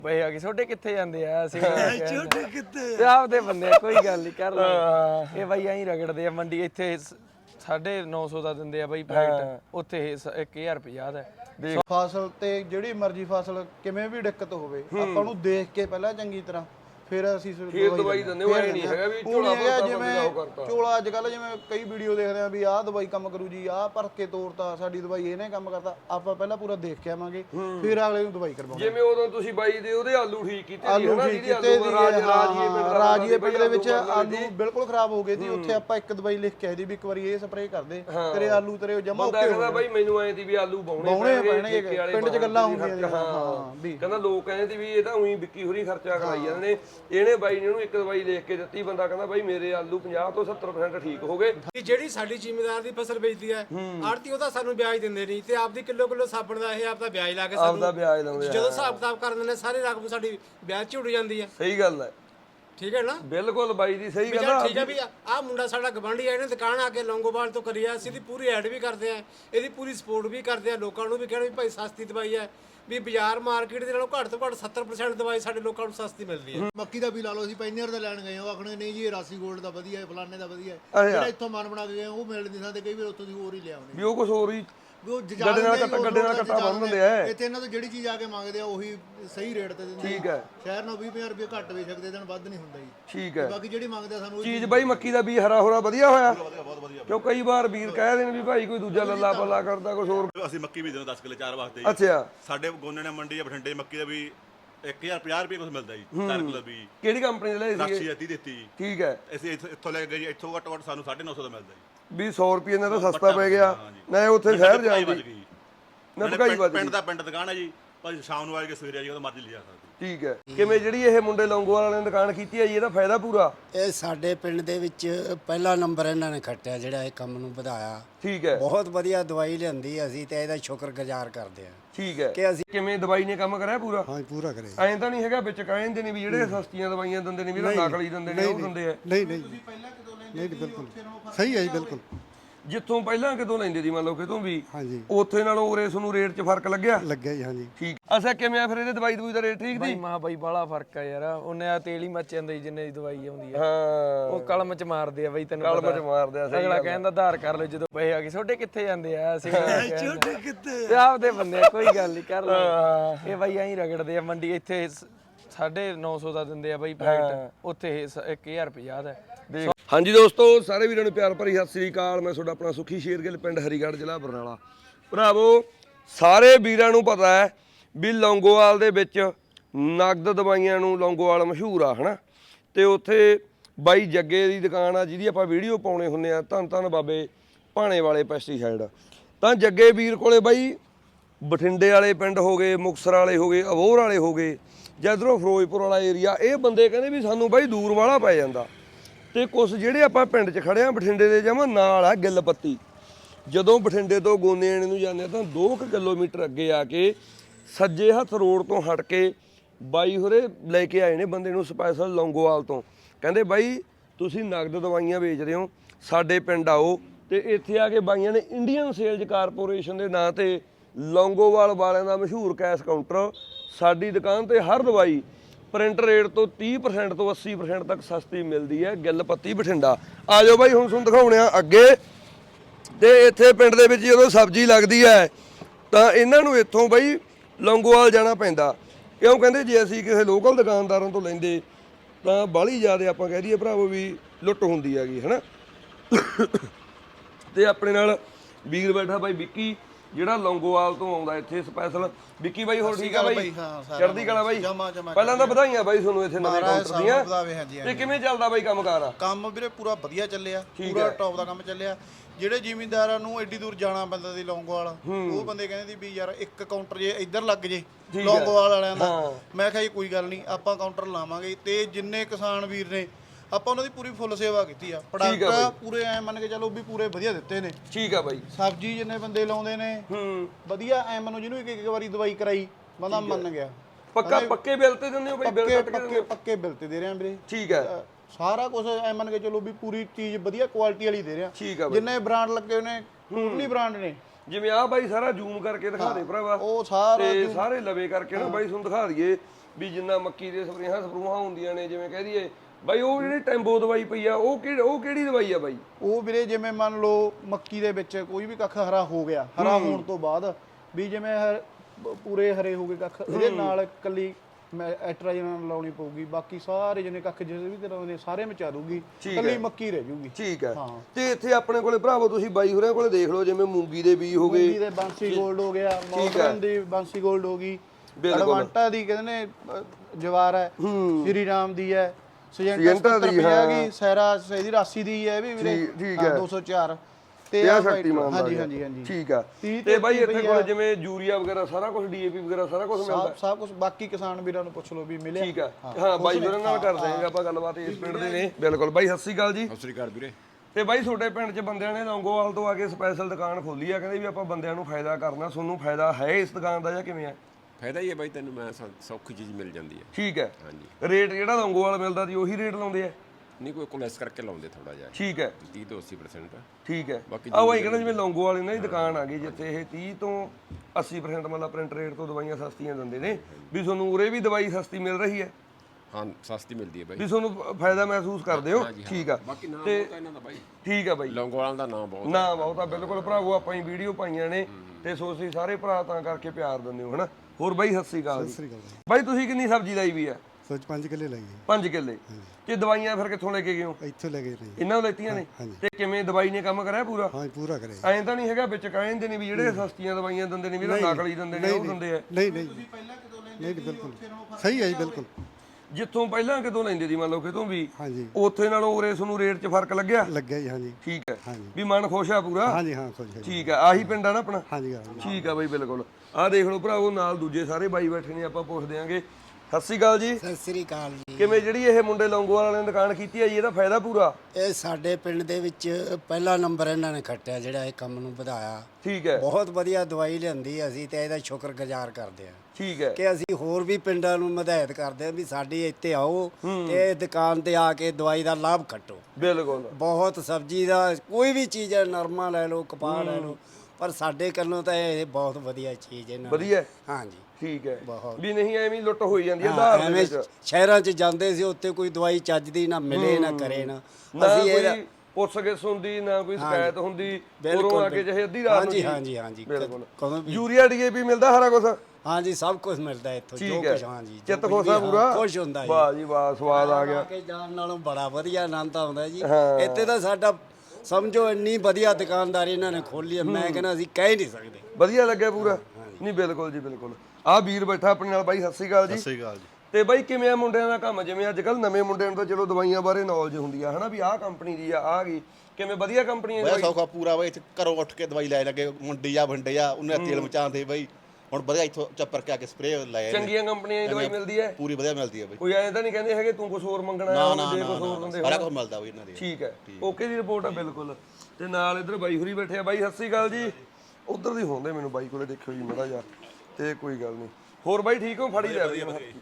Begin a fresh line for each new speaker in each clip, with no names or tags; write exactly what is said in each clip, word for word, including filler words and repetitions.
ਬਈ ਆ ਕੇ ਛੋਟੇ ਕਿੱਥੇ ਜਾਂਦੇ ਆ ਅਸੀਂ ਛੋਟੇ ਕਿੱਥੇ ਤੇ ਆਪਦੇ ਬੰਦੇ ਕੋਈ ਗੱਲ ਨਹੀਂ ਕਰ ਲੈ ਇਹ ਬਾਈ ਐਂ ਰਗੜਦੇ ਆ ਮੰਡੀ ਇੱਥੇ ਸਾਢੇ ਨੌ ਸੌ ਦਾ ਦਿੰਦੇ ਆ ਬਾਈ ਪੈਕਟ ਉੱਥੇ ਇੱਕ ਹਜ਼ਾਰ ਪੰਜਾਹ ਦਾ ਦੇਖ
ਫਸਲ ਤੇ ਜਿਹੜੀ ਮਰਜ਼ੀ ਫਸਲ ਕਿਵੇਂ ਵੀ ਦਿੱਕਤ ਹੋਵੇ ਆਪਾਂ ਨੂੰ ਦੇਖ ਕੇ ਪਹਿਲਾਂ ਚੰਗੀ ਤਰ੍ਹਾਂ ਫਿਰ ਅਸੀਂ
ਦਵਾਈ ਦਿੰਦੇ ਉਹ ਨਹੀਂ ਹੈਗਾ ਵੀ ਝੋਲਾ
ਜਿਵੇਂ ਝੋਲਾ ਅੱਜ ਕੱਲ ਜਿਵੇਂ ਕਈ ਵੀਡੀਓ ਦੇਖਦੇ ਆ ਵੀ ਆਹ ਦਵਾਈ ਕੰਮ ਕਰੂ ਜੀ ਆਹ ਭਰ ਕੇ ਤੋੜਤਾ ਸਾਡੀ ਦਵਾਈ ਇਹਨੇ ਕੰਮ ਕਰਤਾ ਆਪਾਂ ਪਹਿਲਾਂ ਪੂਰਾ ਦੇਖ ਕੇ ਆਵਾਂਗੇ ਫਿਰ ਅਗਲੇ ਨੂੰ ਦਵਾਈ ਕਰਵਾਉਂਦੇ
ਜਿਵੇਂ ਉਦੋਂ ਤੁਸੀਂ ਬਾਈ ਦੇ ਉਹਦੇ ਆਲੂ ਠੀਕ ਕੀਤੇ ਸੀ
ਆਲੂ ਠੀਕ ਕੀਤੇ ਰਾਜੀਏ ਪਿੰਡ ਦੇ ਵਿੱਚ ਆਲੂ ਬਿਲਕੁਲ ਖਰਾਬ ਹੋ ਗਏ ਸੀ ਉੱਥੇ ਆਪਾਂ ਇੱਕ ਦਵਾਈ ਲਿਖ ਕੇ ਆਏ ਦੀ ਵੀ ਇੱਕ ਵਾਰੀ ਇਹ ਸਪਰੇਅ ਕਰਦੇ ਤੇਰੇ ਆਲੂ ਤੇਰੇ ਜਮਾ
ਓਕੇ ਕਹਿੰਦਾ ਬਾਈ ਮੈਨੂੰ ਐਂ ਸੀ ਵੀ ਆਲੂ ਬਾਉਣੇ
ਪੈਣਗੇ ਪਿੰਡ 'ਚ ਗੱਲਾਂ ਹੁੰਦੀਆਂ
ਹਾਂ ਵੀ ਕਹਿੰਦਾ ਲੋਕ ਕਹਿੰਦੇ ਸੀ ਵੀ ਇਹ ਤਾਂ ਉਹੀ ਵਿੱਕੀ ਹੋਰੀ ਖਰਚਾ ਕਰਾਈ ਜਾਂਦੇ ਨੇ ਇਹਨੇ ਬਾਈ ਨੇ ਉਹਨੂੰ ਇੱਕ ਦਵਾਈ ਲਿਖ ਕੇ ਦਿੱਤੀ ਬੰਦਾ ਕਹਿੰਦਾ ਬਾਈ ਮੇਰੇ ਆਲੂ ਪੰਜਾਹ ਤੋਂ ਸੱਤਰ ਪ੍ਰਸੈਂਟ ਠੀਕ ਹੋ ਗਏ
ਜਿਹੜੀ ਸਾਡੀ ਜ਼ਿਮੀਦਾਰ ਦੀ ਫਸਲ ਵੇਚਦੀ ਹੈ ਆੜਤੀ ਉਹਦਾ ਸਾਨੂੰ ਵਿਆਜ ਦਿੰਦੇ ਨਹੀਂ ਤੇ ਆਪਦੀ ਕਿਲੋ ਕਿਲੋ ਸਾਬਣ ਦਾ ਇਹ ਆਪਦਾ ਵਿਆਜ ਲਾ ਕੇ ਸਾਨੂੰ
ਆਪਦਾ ਵਿਆਜ ਲਾਉਂਦੇ
ਜਦੋਂ ਹਿਸਾਬ ਕਿਤਾਬ ਕਰ ਦਿੰਦੇ ਨੇ ਸਾਰੇ ਰਕਮ ਸਾਡੀ ਵਿਆਜ ਚ ਉੱਡ ਜਾਂਦੀ ਹੈ
ਸਹੀ ਗੱਲ ਹੈ
ਠੀਕ ਹੈ ਨਾ
ਬਿਲਕੁਲ ਬਾਈ ਦੀ ਸਹੀ ਗੱਲ
ਹੈ ਠੀਕ ਹੈ ਵੀ ਆਹ ਮੁੰਡਾ ਸਾਡਾ ਗਵਾਂਢੀ ਆ ਇਹਨੇ ਦੁਕਾਨ ਆ ਕੇ ਲੌਂਗੋਵਾਲ ਤੋਂ ਕਰੀ ਆ ਅਸੀਂ ਇਹਦੀ ਪੂਰੀ ਐਡ ਵੀ ਕਰਦੇ ਆ ਇਹਦੀ ਪੂਰੀ ਸਪੋਰਟ ਵੀ ਕਰਦੇ ਆ ਲੋਕਾਂ ਨੂੰ ਵੀ ਕਹਿੰਦੇ ਵੀ ਭਾਈ ਸਸਤੀ ਦਵਾਈ ਹੈ ਵੀ ਬਾਜ਼ਾਰ ਮਾਰਕੀਟ ਦੇ ਨਾਲੋਂ ਘੱਟ ਤੋਂ ਘੱਟ ਸੱਤਰ ਪ੍ਰਸੈਂਟ ਦਵਾਈ ਸਾਡੇ ਲੋਕਾਂ ਨੂੰ ਸਸਤੀ ਮਿਲਦੀ ਹੈ
ਮੱਕੀ ਦਾ ਵੀ ਲਾ ਲਓ ਅਸੀਂ ਪੈਨਰ ਦਾ ਲੈਣ ਗਏ ਉਹ ਆਖਣੇ ਨਹੀਂ ਜੀ ਇਹ ਰਾਸੀ ਗੋਲਡ ਦਾ ਵਧੀਆ ਹੈ ਫਲਾਣੇ ਦਾ ਵਧੀਆ ਹੈ ਜਿਹੜਾ ਇੱਥੋਂ ਮਨ ਬਣਾ ਕੇ ਗਏ ਉਹ ਮਿਲ ਨਹੀਂ ਸਕਦੇ ਕਈ ਵਾਰ ਉੱਥੋਂ ਦੀ ਹੋਰ ਹੀ ਲਿਆਉਂਦੇ
ਵੀ ਉਹ ਕੁਝ ਹੋਰ ਹੀ
ਉਹ
ਗੱਡੇ ਨਾਲ ਕੱਟਾ ਗੱਡੇ ਨਾਲ ਕੱਟਾ ਬੰਨ ਦਿੰਦੇ ਆ
ਇੱਥੇ ਇਹਨਾਂ ਤੋਂ ਜਿਹੜੀ ਚੀਜ਼ ਆ ਕੇ ਮੰਗਦੇ ਆ ਉਹੀ ਸਹੀ ਰੇਟ ਤੇ ਦਿੰਦੇ
ਠੀਕ ਹੈ
ਸ਼ਹਿਰ ਨੂੰ ਵੀਹ ਰੁਪਏ ਘੱਟ ਵੇਚ ਸਕਦੇ ਦਿਨ ਵੱਧ ਨਹੀਂ ਹੁੰਦਾ ਜੀ
ਠੀਕ ਹੈ
ਬਾਕੀ ਜਿਹੜੀ ਮੰਗਦੇ ਆ ਸਾਨੂੰ
ਚੀਜ਼ ਬਾਈ ਮੱਕੀ ਦਾ ਵੀ ਹਰਾ ਹੋਰਾ ਵਧੀਆ ਹੋਇਆ ਕਿਉਂ ਕਈ ਵਾਰ ਵੀਰ ਕਹਿ ਦੇਣ ਵੀ ਭਾਈ ਕੋਈ ਦੂਜਾ ਲੱਲਾ ਪੱਲਾ ਕਰਦਾ ਕੁਝ ਹੋਰ
ਅਸੀਂ ਮੱਕੀ ਵੀ ਦਿੰਦੇ ਦਸ ਕਿੱਲੇ ਚਾਰ ਵਾਸਤੇ
ਅੱਛਾ
ਸਾਡੇ ਗੋਨੇ ਨੇ ਮੰਡੀ ਆ ਬਠਿੰਡੇ ਮੱਕੀ ਦਾ ਵੀ ਇੱਕ ਹਜ਼ਾਰ ਪੰਜਾਹ ਰੁਪਏ ਕੁਝ ਮਿਲਦਾ ਜੀ ਚਾਰ ਕਿੱਲੋ ਵੀ
ਕਿਹੜੀ ਕੰਪਨੀ ਦੇ ਲਈ ਸੀ
ਰਾਖੀ ਦਿੱਤੀ ਦਿੱਤੀ ਜੀ
ਠੀਕ ਹੈ
ਅਸੀਂ ਇੱਥੋਂ ਲੈ ਗਏ ਇੱਥੋਂ ਘੱਟੋ ਘੱਟ ਸਾਨੂੰ ਸਾਢੇ ਨੌ ਸੌ ਦਾ ਮਿਲਦਾ ਜੀ
ਵੀ ਸੌ ਰੁਪਏ ਨਾਲ ਤਾਂ ਸਸਤਾ ਪੈ ਗਿਆ ਨਾ ਉੱਥੇ ਸ਼ਹਿਰ ਜਾਂਦੀ ਨਾ ਭਗਾਈ ਵੱਜ
ਪਿੰਡ ਦਾ ਪਿੰਡ ਦੁਕਾਨ ਹੈ ਜੀ ਭਾਈ ਸ਼ਾਮ ਨੂੰ ਆ ਕੇ ਸਵੇਰੇ ਆ ਜੀ ਉਹਦਾ ਮਰਜ਼ੀ ਲਿਆ ਸਕਦੇ
ਠੀਕ ਹੈ ਕਿਵੇਂ ਜਿਹੜੀ ਇਹ ਮੁੰਡੇ ਲੌਂਗੋਵਾਲ ਵਾਲਿਆਂ ਨੇ ਦੁਕਾਨ ਕੀਤੀ ਹੈ ਜੀ ਇਹਦਾ ਫਾਇਦਾ ਪੂਰਾ
ਇਹ ਸਾਡੇ ਪਿੰਡ ਦੇ ਵਿੱਚ ਪਹਿਲਾ ਨੰਬਰ ਇਹਨਾਂ ਨੇ ਖੱਟਿਆ ਜਿਹੜਾ ਇਹ ਕੰਮ ਨੂੰ ਵਧਾਇਆ
ਠੀਕ ਹੈ
ਬਹੁਤ ਵਧੀਆ ਦਵਾਈ ਲਿਆਂਦੀ ਅਸੀਂ ਤੇ ਇਹਦਾ ਸ਼ੁਕਰਗੁਜ਼ਾਰ ਕਰਦੇ ਹਾਂ
ਠੀਕ ਹੈ
ਕਿ ਅਸੀਂ
ਕਿਵੇਂ ਦਵਾਈ ਨੇ ਕੰਮ ਕਰਿਆ ਪੂਰਾ
ਹਾਂ ਪੂਰਾ ਕਰੇ
ਐਂ ਤਾਂ ਨਹੀਂ ਹੈਗਾ ਵਿੱਚ ਕਹਿੰਦੇ ਨੇ ਵੀ ਜਿਹੜੇ ਸਸਤੀਆਂ ਦਵਾਈਆਂ ਦਿੰਦੇ ਨੇ ਵੀ ਇਹ ਨਕਲੀ ਦਿੰਦੇ ਨੇ ਉਹ ਦਿੰਦੇ ਆ
ਨਹੀਂ ਨਹੀਂ ਤੁਸੀਂ ਪਹਿਲਾਂ ਕਿਦੋਂ ਲੈਂਦੇ ਨਹੀਂ ਬਿਲਕੁਲ ਸਹੀ ਹੈ ਜੀ ਬਿਲਕੁਲ
ਜਿੱਥੋਂ ਪਹਿਲਾਂ ਕਿਦੋਂ ਲੈਂਦੇ ਸੀ ਮੰਨ ਲਓ ਕਿਤੋਂ ਵੀ
ਹਾਂਜੀ
ਉੱਥੇ ਨਾਲੋਂ ਉਰੇ ਤੁਹਾਨੂੰ ਰੇਟ 'ਚ ਫਰਕ ਲੱਗਿਆ
ਲੱਗਿਆ ਜੀ ਹਾਂਜੀ
ਠੀਕ ਅੱਛਾ ਕਿਵੇਂ ਆ ਫਿਰ ਇਹਦੇ ਦਵਾਈ ਦਵਾਈ ਦਾ ਰੇਟ ਠੀਕ
ਬਾਈ
ਦੀ
ਮਾ ਬਾਈ ਬਾਲਾ ਫਰਕ ਆ ਯਾਰ ਉਹਨੇ ਆ ਤੇਲ ਹੀ ਮੱਚ ਜਾਂਦਾ ਜਿੰਨੇ ਦੀ ਦਵਾਈ ਆਉਂਦੀ ਆ
ਹਾਂ
ਉਹ ਕਲਮ ਚ ਮਾਰਦੇ ਆ ਬਾਈ ਤੈਨੂੰ
ਕਲਮ 'ਚ ਮਾਰਦੇ ਆ
ਅਗਲਾ ਕਹਿੰਦਾ ਆਧਾਰ ਕਰ ਲੈ ਜਦੋਂ ਪੈਸੇ ਆ ਕੇ ਛੋਟੇ ਕਿੱਥੇ ਜਾਂਦੇ ਆ ਅਸੀਂ ਛੋਟੇ ਕਿੱਥੇ ਤੇ ਆਪਦੇ ਬੰਦੇ ਕੋਈ ਗੱਲ ਨਹੀਂ ਕਰ ਲੈ ਇਹ ਬਾਈ ਐਂ ਰਗੜਦੇ ਆ ਮੰਡੀ ਇੱਥੇ ਸਾਢੇ ਨੌ ਸੌ ਦਾ ਦਿੰਦੇ ਆ ਬਾਈ ਪੈਕਟ ਉੱਥੇ ਇੱਕ ਹਜ਼ਾਰ ਪੰਜਾਹ ਦਾ
ਹਾਂਜੀ ਦੋਸਤੋ ਸਾਰੇ ਵੀਰਾਂ ਨੂੰ ਪਿਆਰ ਭਰੀ ਸਤਿ ਸ੍ਰੀ ਅਕਾਲ ਮੈਂ ਤੁਹਾਡਾ ਆਪਣਾ ਸੁਖੀ ਸ਼ੇਰਗਿੱਲ ਪਿੰਡ ਹਰੀਗੜ੍ਹ ਜ਼ਿਲ੍ਹਾ ਬਰਨਾਲਾ ਭਰਾਵੋ ਸਾਰੇ ਵੀਰਾਂ ਨੂੰ ਪਤਾ ਹੈ ਵੀ ਲੌਂਗੋਵਾਲ ਦੇ ਵਿੱਚ ਨਗਦ ਦਵਾਈਆਂ ਨੂੰ ਲੌਂਗੋਵਾਲ ਮਸ਼ਹੂਰ ਆ ਹਨਾ ਤੇ ਉੱਥੇ ਬਾਈ ਜੱਗੇ ਦੀ ਦੁਕਾਨ ਆ ਜਿਹਦੀ ਆਪਾਂ ਵੀਡੀਓ ਪਾਉਣੇ ਹੁੰਦੇ ਆ ਧੰਨ ਧੰਨ ਬਾਬੇ ਭਾਣੇ ਵਾਲੇ ਪੈਸਟੀਸਾਈਡ ਤਾਂ ਜੱਗੇ ਵੀਰ ਕੋਲੇ ਬਾਈ ਬਠਿੰਡੇ ਵਾਲੇ ਪਿੰਡ ਹੋ ਗਏ ਮੁਕਤਸਰ ਵਾਲੇ ਹੋ ਗਏ ਅਬੋਹਰ ਵਾਲੇ ਹੋ ਗਏ ਜਾਂ ਇੱਧਰੋਂ ਫਿਰੋਜ਼ਪੁਰ ਵਾਲਾ ਏਰੀਆ ਇਹ ਬੰਦੇ ਕਹਿੰਦੇ ਵੀ ਸਾਨੂੰ ਬਾਈ ਦੂਰ ਵਾਲਾ ਪੈ ਜਾਂਦਾ ਤੇ ਕੁਛ ਜਿਹੜੇ ਆਪਾਂ ਪਿੰਡ 'ਚ ਖੜੇ ਆ ਬਠਿੰਡੇ ਦੇ ਜਮਾਂ ਨਾਲ ਆ ਗਿੱਲ ਪੱਤੀ ਜਦੋਂ ਬਠਿੰਡੇ ਤੋਂ ਗੋਨੇਆਣੇ ਨੂੰ ਜਾਂਦੇ ਤਾਂ ਦੋ ਕੁ ਕਿਲੋਮੀਟਰ ਅੱਗੇ ਆ ਕੇ ਸੱਜੇ ਹੱਥ ਰੋਡ ਤੋਂ ਹਟ ਕੇ ਬਾਈ ਹੋਰੇ ਲੈ ਕੇ ਆਏ ਨੇ ਬੰਦੇ ਨੂੰ ਸਪੈਸ਼ਲ ਲੌਂਗੋਵਾਲ ਤੋਂ ਕਹਿੰਦੇ ਬਾਈ ਤੁਸੀਂ ਨਗਦ ਦਵਾਈਆਂ ਵੇਚਦੇ ਹੋ ਸਾਡੇ ਪਿੰਡ ਆਓ ਤੇ ਇੱਥੇ ਆ ਕੇ ਬਾਈਆਂ ਨੇ ਇੰਡੀਅਨ ਸੇਲਜ਼ ਕਾਰਪੋਰੇਸ਼ਨ ਦੇ ਨਾਂ ਤੇ ਲੌਂਗੋਵਾਲ ਵਾਲਿਆਂ ਦਾ ਮਸ਼ਹੂਰ ਕੈਸ਼ ਕਾਊਂਟਰ ਸਾਡੀ ਦੁਕਾਨ ਤੇ ਹਰ ਦਵਾਈ ਪ੍ਰਿੰਟ ਰੇਟ ਤੋਂ ਤੀਹ ਪ੍ਰਸੈਂਟ ਤੋਂ ਅੱਸੀ ਪ੍ਰਸੈਂਟ ਤੱਕ ਸਸਤੀ ਮਿਲਦੀ ਹੈ ਗਿੱਲ ਪੱਤੀ ਬਠਿੰਡਾ ਆ ਜਾਓ ਬਾਈ ਹੁਣ ਤੁਹਾਨੂੰ ਦਿਖਾਉਣੇ ਆ ਅੱਗੇ ਤੇ ਇੱਥੇ ਪਿੰਡ ਦੇ ਵਿੱਚ ਜਦੋਂ ਸਬਜ਼ੀ ਲੱਗਦੀ ਹੈ ਤਾਂ ਇਹਨਾਂ ਨੂੰ ਇੱਥੋਂ ਬਾਈ ਲੌਂਗੋਵਾਲ ਜਾਣਾ ਪੈਂਦਾ ਕਿਉਂ ਕਹਿੰਦੇ ਜੇ ਅਸੀਂ ਕਿਸੇ ਲੋਕਲ ਦੁਕਾਨਦਾਰਾਂ ਤੋਂ ਲੈਂਦੇ ਤਾਂ ਬਾਹਲੀ ਜ਼ਿਆਦਾ ਆਪਾਂ ਕਹਿ ਦਈਏ ਭਰਾਵੋ ਵੀ ਲੁੱਟ ਹੁੰਦੀ ਹੈਗੀ ਹਨਾ ਤੇ ਆਪਣੇ ਨਾਲ ਵੀਰ ਬੈਠਾ ਬਾਈ ਵਿੱਕੀ ਜਿਹੜਾ ਲੌਂਗੋਵਾਲ ਤੋਂ ਆਉਂਦਾ ਇੱਥੇ ਸਪੈਸ਼ਲ ਵਿੱਕੀ ਬਾਈ ਹੋਰ ਠੀਕ ਆ ਬਾਈ ਚੜ੍ਹਦੀ ਕਲਾ ਬਾਈ ਪਹਿਲਾਂ ਤਾਂ ਵਧਾਈਆਂ ਬਾਈ ਤੁਹਾਨੂੰ ਇੱਥੇ ਨਵੇਂ ਕਾਊਂਟਰ ਦੀਆਂ ਤੇ ਕਿਵੇਂ ਚੱਲਦਾ ਬਾਈ ਕੰਮ ਕਾਰ ਆ
ਕੰਮ ਵੀਰੇ ਪੂਰਾ ਵਧੀਆ ਚੱਲਿਆ ਪੂਰਾ ਟੌਪ ਦਾ ਕੰਮ ਚੱਲਿਆ ਜਿਹੜੇ ਜ਼ਿਮੀਂਦਾਰਾਂ ਨੂੰ ਐਡੀ ਦੂਰ ਜਾਣਾ ਪੈਂਦਾ ਸੀ ਲੌਂਗੋਵਾਲ ਉਹ ਬੰਦੇ ਕਹਿੰਦੇ ਸੀ ਵੀ ਯਾਰ ਇੱਕ ਕਾਊਂਟਰ ਜੇ ਇੱਧਰ ਲੱਗ ਜੇ ਲੌਂਗੋਵਾਲ ਵਾਲਿਆਂ ਦਾ ਮੈਂ ਕਿਹਾ ਜੀ ਕੋਈ ਗੱਲ ਨਹੀਂ ਆਪਾਂ ਕਾਊਂਟਰ ਲਾਵਾਂਗੇ ਤੇ ਜਿੰਨੇ ਕਿਸਾਨ ਵੀਰ ਨੇ ਆਪਾਂ ਉਹਨਾਂ ਦੀ ਪੂਰੀ ਫੁੱਲ ਸੇਵਾ ਕੀਤੀ ਆ ਪ੍ਰੋਡਕਟ ਪੂਰੇ ਐ ਮੰਨ ਕੇ ਚੱਲੋ ਵੀ ਪੂਰੇ ਵਧੀਆ ਦਿੱਤੇ ਨੇ
ਠੀਕ ਆ ਬਾਈ
ਸਬਜ਼ੀ ਜਿੰਨੇ ਬੰਦੇ ਲਾਉਂਦੇ ਨੇ
ਹੂੰ
ਵਧੀਆ ਐ ਮੈਨੂੰ ਜਿਹਨੂੰ ਇੱਕ ਇੱਕ ਵਾਰੀ ਦਵਾਈ ਕਰਾਈ ਬੰਦਾ ਮੰਨ ਗਿਆ
ਪੱਕਾ ਪੱਕੇ ਬਿੱਲ ਤੇ ਦਿੰਦੇ ਹੋ ਬਾਈ ਬਿੱਲ ਕੱਟ ਕੇ
ਪੱਕੇ ਪੱਕੇ ਬਿੱਲ ਤੇ ਦੇ ਰਹੇ ਆ ਵੀਰੇ
ਠੀਕ ਹੈ
ਸਾਰਾ ਕੁਝ ਐ ਮੰਨ ਕੇ ਚਲੋ ਵੀ ਪੂਰੀ ਚੀਜ਼ ਵਧੀਆ ਕੁਆਲਿਟੀ ਵਾਲੀ ਦੇ ਰਹੇ ਆ
ਠੀਕ ਆ ਬਾਈ
ਜਿੰਨੇ ਬ੍ਰਾਂਡ ਲੱਗੇ ਹੋਏ ਨੇ ਕੰਪਨੀ ਬ੍ਰਾਂਡ ਨੇ
ਜਿਵੇਂ ਆ ਬਾਈ ਸਾਰਾ ਜ਼ੂਮ ਕਰਕੇ ਦਿਖਾ ਦੇ ਭਰਾਵਾ
ਉਹ ਸਾਰੇ
ਤੇ ਸਾਰੇ ਲਵੇ ਕਰਕੇ ਨਾ ਬਾਈ ਤੁਹਾਨੂੰ ਦਿਖਾ ਦਈਏ ਵੀ ਜਿੰਨਾ ਮੱਕੀ ਦੇ ਸਪਰੇਹਾਂ ਸਪਰੂਹਾਂ ਹੁੰਦੀਆਂ ਨੇ ਜਿਵੇਂ ਕਹਿ ਦਈਏ ਬਾਈ ਉਹ ਜਿਹੜੀ ਟੈਂਬੋ ਦਵਾਈ ਪਈ ਆ ਉਹ ਕਿਹੜੀ ਉਹ ਕਿਹੜੀ ਦਵਾਈ ਆ ਬਾਈ?
ਉਹ ਵੀਰੇ ਜਿਵੇਂ ਮੰਨ ਲਓ ਮੱਕੀ ਦੇ ਵਿੱਚ ਕੋਈ ਵੀ ਕੱਖ ਹਰਾ ਹੋ ਗਿਆ, ਹਰਾ ਹੋਣ ਤੋਂ ਬਾਅਦ ਵੀ ਜਿਵੇਂ ਹ- ਪੂਰੇ ਹਰੇ ਹੋ ਗਏ ਕੱਖ, ਇਹਦੇ ਨਾਲ ਕੱਲੀ ਐਟਰਾਜਨ ਲਾਉਣੀ ਪਊਗੀ, ਬਾਕੀ ਸਾਰੇ ਜਿਹਨੇ ਕੱਖ ਜਿਹੜੇ ਵੀ ਤਰ੍ਹਾਂ ਦੇ ਸਾਰੇ ਮਚਾ ਦੂਗੀ, ਕੱਲੀ ਮੱਕੀ ਰਹਿ ਜੂਗੀ।
ਠੀਕ ਹੈ। ਤੇ ਇੱਥੇ ਆਪਣੇ ਕੋਲੇ ਭਰਾਵੋ ਤੁਸੀਂ ਬਾਈ ਹੋਰਾਂ ਕੋਲੇ ਦੇਖ ਲਓ ਜਿਵੇਂ ਮੂੰਗੀ ਦੇ ਬੀਜ ਹੋ ਗਏ,
ਮੂੰਗੀ ਦੇ ਬਾਂਸੀ ਗੋਲਡ ਹੋ ਗਿਆ, ਮੌਸਮ ਦੀ ਬਾਂਸੀ ਗੋਲਡ ਹੋ ਗਈ, ਅਡਵਾਂਟਾ ਦੀ ਕਹਿੰਦੇ ਨੇ ਅ, ਜਵਾਰ ਹੈ, ਸ਼੍ਰੀ ਰਾਮ ਦੀ ਹੈ, ਸਜੈਂਟਾ ਦੀ ਹੈਗੀ, ਸੈਰਾ ਇਹਦੀ ਰਾਸੀ ਦੀ ਹੈ, ਇਹ ਵੀ ਵੀਰੇ
ਠੀਕ ਹੈ
ਦੋ ਸੌ ਚਾਰ ਤੇ
ਆ
ਆ
ਸ਼ਕਤੀਮਾਨ
ਹਾਂਜੀ ਹਾਂਜੀ ਹਾਂਜੀ
ਠੀਕ ਆ। ਤੇ ਬਾਈ ਇੱਥੇ ਕੋਲ ਜਿਵੇਂ ਯੂਰੀਆ ਵਗੈਰਾ ਸਾਰਾ ਕੁਝ ਡੀਏਪੀ ਵਗੈਰਾ ਸਾਰਾ ਕੁਝ ਮਿਲਦਾ
ਸਭ ਸਭ ਕੁਝ ਬਾਕੀ ਕਿਸਾਨ ਵੀਰਾਂ ਨੂੰ ਪੁੱਛ ਲਓ ਵੀ ਮਿਲਿਆ।
ਠੀਕ ਆ। ਹਾਂ ਬਾਈ ਵੀਰਾਂ ਨਾਲ ਕਰ ਦੇਵਾਂਗੇ ਆਪਾਂ ਗੱਲਬਾਤ ਇਸ ਪਿੰਡ ਦੇ ਨੇ। ਬਿਲਕੁਲ ਬਾਈ ਸਤਿ ਸ੍ਰੀ ਅਕਾਲ ਜੀ।
ਸਤਿ ਸ੍ਰੀ ਅਕਾਲ ਵੀਰੇ।
ਤੇ ਬਾਈ ਤੁਹਾਡੇ ਪਿੰਡ 'ਚ ਬੰਦਿਆਂ ਨੇ ਲੌਂਗੋਵਾਲ ਤੋਂ ਆ ਕੇ ਸਪੈਸ਼ਲ ਦੁਕਾਨ ਖੋਲੀ ਆ, ਕਹਿੰਦੇ ਵੀ ਆਪਾਂ ਬੰਦਿਆਂ ਨੂੰ ਫਾਇਦਾ ਕਰਨਾ, ਤੁਹਾਨੂੰ ਫਾਇਦਾ ਹੈ ਇਸ ਦੁਕਾਨ ਦਾ ਜਾਂ ਕਿਵੇਂ ਆ?
ਫਾਇਦਾ ਹੀ ਹੈ ਬਾਈ, ਤੈਨੂੰ ਮੈਂ ਸੌ- ਸੌਖੀ ਚੀਜ਼ ਮਿਲ ਜਾਂਦੀ ਹੈ।
ਠੀਕ ਹੈ।
ਹਾਂਜੀ।
ਰੇਟ ਜਿਹੜਾ ਲੌਂਗੋਵਾਲ ਮਿਲਦਾ ਸੀ ਉਹੀ ਰੇਟ ਲਾਉਂਦੇ ਆ?
ਨਹੀਂ ਕੋਈ ਕੋਲੈਸ ਕਰਕੇ ਲਾਉਂਦੇ ਥੋੜਾ ਜਿਹਾ।
ਠੀਕ ਹੈ।
ਤੀਹ ਤੋਂ ਅੱਸੀ ਪਰਸੈਂਟ।
ਠੀਕ ਹੈ।
ਬਾਕੀ
ਆਹ ਬਾਈ ਕਹਿੰਦਾ ਜਿਵੇਂ ਲੌਂਗੋਵਾਲ ਇਹਨਾਂ ਦੀ ਦੁਕਾਨ ਆ ਗਈ ਜਿੱਥੇ ਇਹ ਤੀਹ ਤੋਂ ਅੱਸੀ ਪਰਸੈਂਟ ਮਤਲਬ ਪ੍ਰਿੰਟ ਰੇਟ ਤੋਂ ਦਵਾਈਆਂ ਸਸਤੀਆਂ ਦਿੰਦੇ ਨੇ, ਵੀ ਤੁਹਾਨੂੰ ਉਰੇ ਵੀ ਦਵਾਈ ਸਸਤੀ ਮਿਲ ਰਹੀ ਹੈ?
ਹਾਂ ਸਸਤੀ ਮਿਲਦੀ ਹੈ ਬਾਈ।
ਵੀ ਤੁਹਾਨੂੰ ਫਾਇਦਾ ਮਹਿਸੂਸ ਕਰਦੇ ਹੋ? ਠੀਕ ਆ।
ਬਾਕੀ ਨਾਮ ਬਹੁਤ ਹੈ ਇਹਨਾਂ ਦਾ ਬਾਈ।
ਠੀਕ ਆ ਬਾਈ।
ਲੌਂਗੋਵਾਲ ਦਾ ਨਾਮ ਬਹੁਤ
ਨਾ ਬਹੁਤ ਆ ਬਿਲਕੁਲ ਭਰਾਵੋ, ਆਪਾਂ ਹੀ ਵੀਡੀਓ ਪਾਈਆਂ ਨੇ ਤੇ ਸੋ ਅਸੀਂ ਸਾਰੇ ਭਰਾ ਤਾਂ ਕਰਕੇ ਪਿਆਰ ਦਿੰਦੇ ਹੋ ਹਨਾ। ਹੋਰ ਬਾਈ ਸਤਿ ਸ੍ਰੀ ਅਕਾਲ ਜੀ। ਬਾਈ ਤੁਸੀਂ ਕਿੰਨੀ ਸਬਜ਼ੀ ਲਾਈ ਵੀ ਆ?
ਸੋਚ ਪੰਜ ਕਿੱਲੇ ਲਾਈ
ਪੰਜ ਕਿੱਲੇ। ਤੇ ਦਵਾਈਆਂ ਫਿਰ ਕਿੱਥੋਂ ਲੈ ਕੇ ਗਏ ਹੋ?
ਇੱਥੋਂ ਲੈ ਗਏ ਨੇ।
ਇਹਨਾਂ ਨੂੰ ਲੈਤੀਆਂ ਨੇ? ਤੇ ਕਿਵੇਂ ਦਵਾਈ ਨੇ ਕੰਮ ਕਰਿਆ ਪੂਰਾ?
ਹਾਂ ਪੂਰਾ ਕਰੇ।
ਐਂ ਤਾਂ ਨਹੀਂ ਹੈਗਾ ਵਿੱਚ ਕਹਿੰਦੇ ਨੇ ਵੀ ਜਿਹੜੇ ਸਸਤੀਆਂ ਦਵਾਈਆਂ ਦਿੰਦੇ ਨੇ ਵੀ ਇਹਨਾਂ ਨਕਲੀ ਦਿੰਦੇ ਨੇ ਉਹ ਦਿੰਦੇ ਆ?
ਨਹੀਂ ਨਹੀਂ ਤੁਸੀਂ ਪਹਿਲਾਂ ਕਿਦੋਂ ਲੈਂਦੇ? ਨਹੀਂ ਬਿਲਕੁਲ ਸਹੀ ਹੈ ਜੀ ਬਿਲਕੁਲ।
ਜਿੱਥੋਂ ਪਹਿਲਾਂ ਕਿਦੋਂ ਲੈਂਦੇ ਸੀ ਮੰਨ ਲਓ ਕਿਤੋਂ ਵੀ,
ਹਾਂਜੀ
ਉੱਥੇ ਨਾਲੋਂ ਉਰੇ ਤੁਹਾਨੂੰ ਰੇਟ 'ਚ ਫਰਕ ਲੱਗਿਆ?
ਲੱਗਿਆ ਜੀ। ਹਾਂਜੀ
ਠੀਕ ਹੈ।
ਹਾਂਜੀ।
ਵੀ ਮਨ ਖੁਸ਼ ਆ ਪੂਰਾ?
ਹਾਂਜੀ ਹਾਂ ਖੁਸ਼ ਹੈ।
ਠੀਕ ਆ। ਆਹੀ ਪਿੰਡ ਆ ਨਾ ਆਪਣਾ?
ਹਾਂਜੀ ਹਾਂਜੀ
ਠੀਕ ਆ ਬਾਈ ਬਿਲਕੁਲ। ਆਹ ਦੇਖ ਲਓ ਭਰਾਵੋ ਨਾਲ ਦੂਜੇ ਸਾਰੇ ਬਾਈ ਬੈਠੇ ਨੇ, ਆਪਾਂ ਪੁੱਛ ਦਿਆਂਗੇ। ਸਤਿ ਸ੍ਰੀ ਅਕਾਲ ਜੀ।
ਸਤਿ ਸ੍ਰੀ ਅਕਾਲ ਜੀ।
ਕਿਵੇਂ ਜਿਹੜੀ ਇਹ ਮੁੰਡੇ ਲੌਂਗੋਵਾਲ ਵਾਲਿਆਂ ਨੇ ਦੁਕਾਨ ਕੀਤੀ ਹੈ ਜੀ, ਇਹਦਾ ਫਾਇਦਾ ਪੂਰਾ?
ਇਹ ਸਾਡੇ ਪਿੰਡ ਦੇ ਵਿੱਚ ਪਹਿਲਾ ਨੰਬਰ ਇਹਨਾਂ ਨੇ ਖੱਟਿਆ ਜਿਹੜਾ ਇਹ ਕੰਮ ਨੂੰ ਵਧਾਇਆ।
ਠੀਕ ਹੈ।
ਬਹੁਤ ਵਧੀਆ ਦਵਾਈ ਲਿਆਂਦੀ ਅਸੀਂ ਤੇ ਇਹਦਾ ਸ਼ੁਕਰਗੁਜ਼ਾਰ ਕਰਦੇ ਹਾਂ
ਠੀਕ ਹੈ।
ਕਿ ਅਸੀਂ ਹੋਰ ਵੀ ਪਿੰਡਾਂ ਨੂੰ ਹਦਾਇਤ ਕਰਦੇ ਹਾਂ ਵੀ ਸਾਡੀ ਇੱਥੇ ਆਓ ਤੇ ਇਹ ਦੁਕਾਨ ਤੇ ਆ ਕੇ ਦਵਾਈ ਦਾ ਲਾਭ ਖੱਟੋ।
ਬਿਲਕੁਲ।
ਬਹੁਤ ਸਬਜ਼ੀ ਦਾ ਕੋਈ ਵੀ ਚੀਜ਼ ਹੈ, ਨਰਮਾ ਲੈ ਲਓ, ਕਪਾਹ ਲੈ ਲਓ, ਪਰ ਸਾਡੇ ਕੰਨੋਂ ਤਾਂ ਇਹ ਬਹੁਤ ਵਧੀਆ ਚੀਜ਼ ਹੈ ਨਾ।
ਵਧੀਆ?
ਹਾਂਜੀ
ਠੀਕ ਹੈ।
ਬਹੁਤ।
ਵੀ ਨਹੀਂ ਐਵੇਂ ਲੁੱਟ ਹੋਈ ਜਾਂਦੀ ਹੈ ਧਾਰ ਦੇ
ਐਵੇਂ
ਵਿੱਚ।
ਸ਼ਹਿਰਾਂ 'ਚ ਜਾਂਦੇ ਸੀ, ਉੱਥੇ ਕੋਈ ਦਵਾਈ ਚੱਜਦੀ ਨਾ ਮਿਲੇ ਨਾ ਕਰੇ ਨਾ।
ਨਾ
ਅਸੀਂ ਇਹ
ਕੋਈ ਪੁੱਛ ਗਿੱਛ ਹੁੰਦੀ, ਨਾ ਕੋਈ ਸ਼ਿਕਾਇਤ ਹੁੰਦੀ,
ਬਿਲਕੁਲ,
ਉਰੋਂ ਆ ਕੇ ਜਿਹੇ ਅੱਧੀ ਰਾਤ ਨੂੰ
ਹਾਂਜੀ
ਜੀ।
ਹਾਂਜੀ ਹਾਂਜੀ
ਬਿਲਕੁਲ।
ਕਦੋਂ ਵੀ
ਯੂਰੀਆ ਡੀਏਪੀ ਮਿਲਦਾ ਸਾਰਾ ਕੁਝ?
ਹਾਂਜੀ ਸਭ ਕੁਝ ਮਿਲਦਾ ਇੱਥੋਂ ਜੋ
ਠੀਕ ਹੈ।
ਕੁਝ। ਹਾਂਜੀ ਜੋ
ਚਿੱਤ
ਕੁਝ
ਖੁਸ਼
ਵੀ,
ਆ
ਹਾਂ,
ਪੂਰਾ?
ਖੁਸ਼ ਹੁੰਦਾ ਜੀ।
ਵਾਹ ਜੀ ਵਾਹ, ਸਵਾਦ ਆ ਗਿਆ।
ਕੇ ਜਾਣ ਨਾਲੋਂ ਬੜਾ ਵਧੀਆ ਆਨੰਦ ਆਉਂਦਾ ਜੀ।
ਹਾਂ।
ਇੱਥੇ ਤਾਂ ਸਾਡਾ ਸਮਝੋ ਇੰਨੀ ਵਧੀਆ ਦੁਕਾਨਦਾਰੀ ਇਹਨਾਂ ਨੇ ਖੋਲੀ ਹੈ, ਮੈਂ ਕਹਿੰਦਾ ਅਸੀਂ ਕਹਿ ਨਹੀਂ ਸਕਦੇ।
ਵਧੀਆ ਲੱਗਿਆ ਪੂਰਾ? ਨਹੀਂ ਬਿਲਕੁਲ ਜੀ ਬਿਲਕੁਲ। ਆਹ ਵੀਰ ਬੈਠਾ ਆਪਣੇ ਨਾਲ ਬਾਈ, ਸਤਿ ਸ੍ਰੀ ਅਕਾਲ ਜੀ।
ਸਤਿ ਸ੍ਰੀ ਅਕਾਲ ਜੀ।
ਤੇ ਬਾਈ ਕਿਵੇਂ ਆ ਮੁੰਡਿਆਂ ਦਾ ਕੰਮ? ਜਿਵੇਂ ਅੱਜ ਕੱਲ ਨਵੇਂ ਮੁੰਡਿਆਂ ਨੂੰ ਤਾਂ ਚਲੋ ਦਵਾਈਆਂ ਬਾਰੇ ਨੌਲੇਜ ਹੁੰਦੀ ਆ ਹਨਾ, ਵੀ ਆਹ ਕੰਪਨੀ ਦੀ ਆ ਆ ਗਈ, ਕਿਵੇਂ ਵਧੀਆ ਕੰਪਨੀਆਂ
ਬਈ ਸੌਖਾ ਪੂਰਾ ਬਈ, ਇੱਥੇ ਘਰੋਂ ਉੱਠ ਕੇ ਦਵਾਈ ਲੈ ਲੱਗੇ, ਮੰਡੀ ਆ ਵੰਡੇ ਆ, ਉਹਨੇ ਤੇਲ ਮਚਾਉਂਦੇ ਬਈ, ਹੁਣ ਵਧੀਆ ਇੱਥੋਂ ਚੱਪਰ ਕੇ ਆ ਕੇ ਸਪਰੇਅ ਲਾਏ ਨੇ।
ਚੰਗੀਆਂ ਕੰਪਨੀਆਂ ਦੀ ਦਵਾਈ ਮਿਲਦੀ ਹੈ?
ਪੂਰੀ ਵਧੀਆ ਮਿਲਦੀ ਹੈ ਬਈ।
ਕੋਈ ਐਂ ਤਾਂ ਨਹੀਂ ਕਹਿੰਦੇ ਹੈਗੇ ਤੂੰ ਕੁਝ ਹੋਰ ਮੰਗਣਾ
ਨਾ
ਹੈ
ਨਾ
ਦੇ
ਨਾ
ਕੁਝ ਹੋਰ ਦਿੰਦੇ
ਸਾਰਾ
ਹੋ?
ਕੁਝ ਮਿਲਦਾ ਬਈ ਇਹਨਾਂ ਦੇ।
ਠੀਕ ਹੈ। ਓਕੇ ਦੀ ਰਿਪੋਰਟ ਆ ਬਿਲਕੁਲ। ਤੇ ਨਾਲ ਇਧਰ ਬਾਈ ਹੁਰੀ ਬੈਠੇ ਆ। ਬਾਈ ਸਤਿ ਸ੍ਰੀ ਅਕਾਲ ਜੀ। ਉਧਰ ਦੀ ਹੁੰਦੇ ਮੈਨੂੰ ਬਾਈ ਕੋਲੇ ਦੇਖਿਓ ਜੀ ਮੜਾ ਜਾ। ਤੇ ਕੋਈ ਗੱਲ ਨਹੀਂ। ਹੋਰ ਬਾਈ ਠੀਕ ਹੋ? ਫੜੀ ਲੈ ਬਾਈ।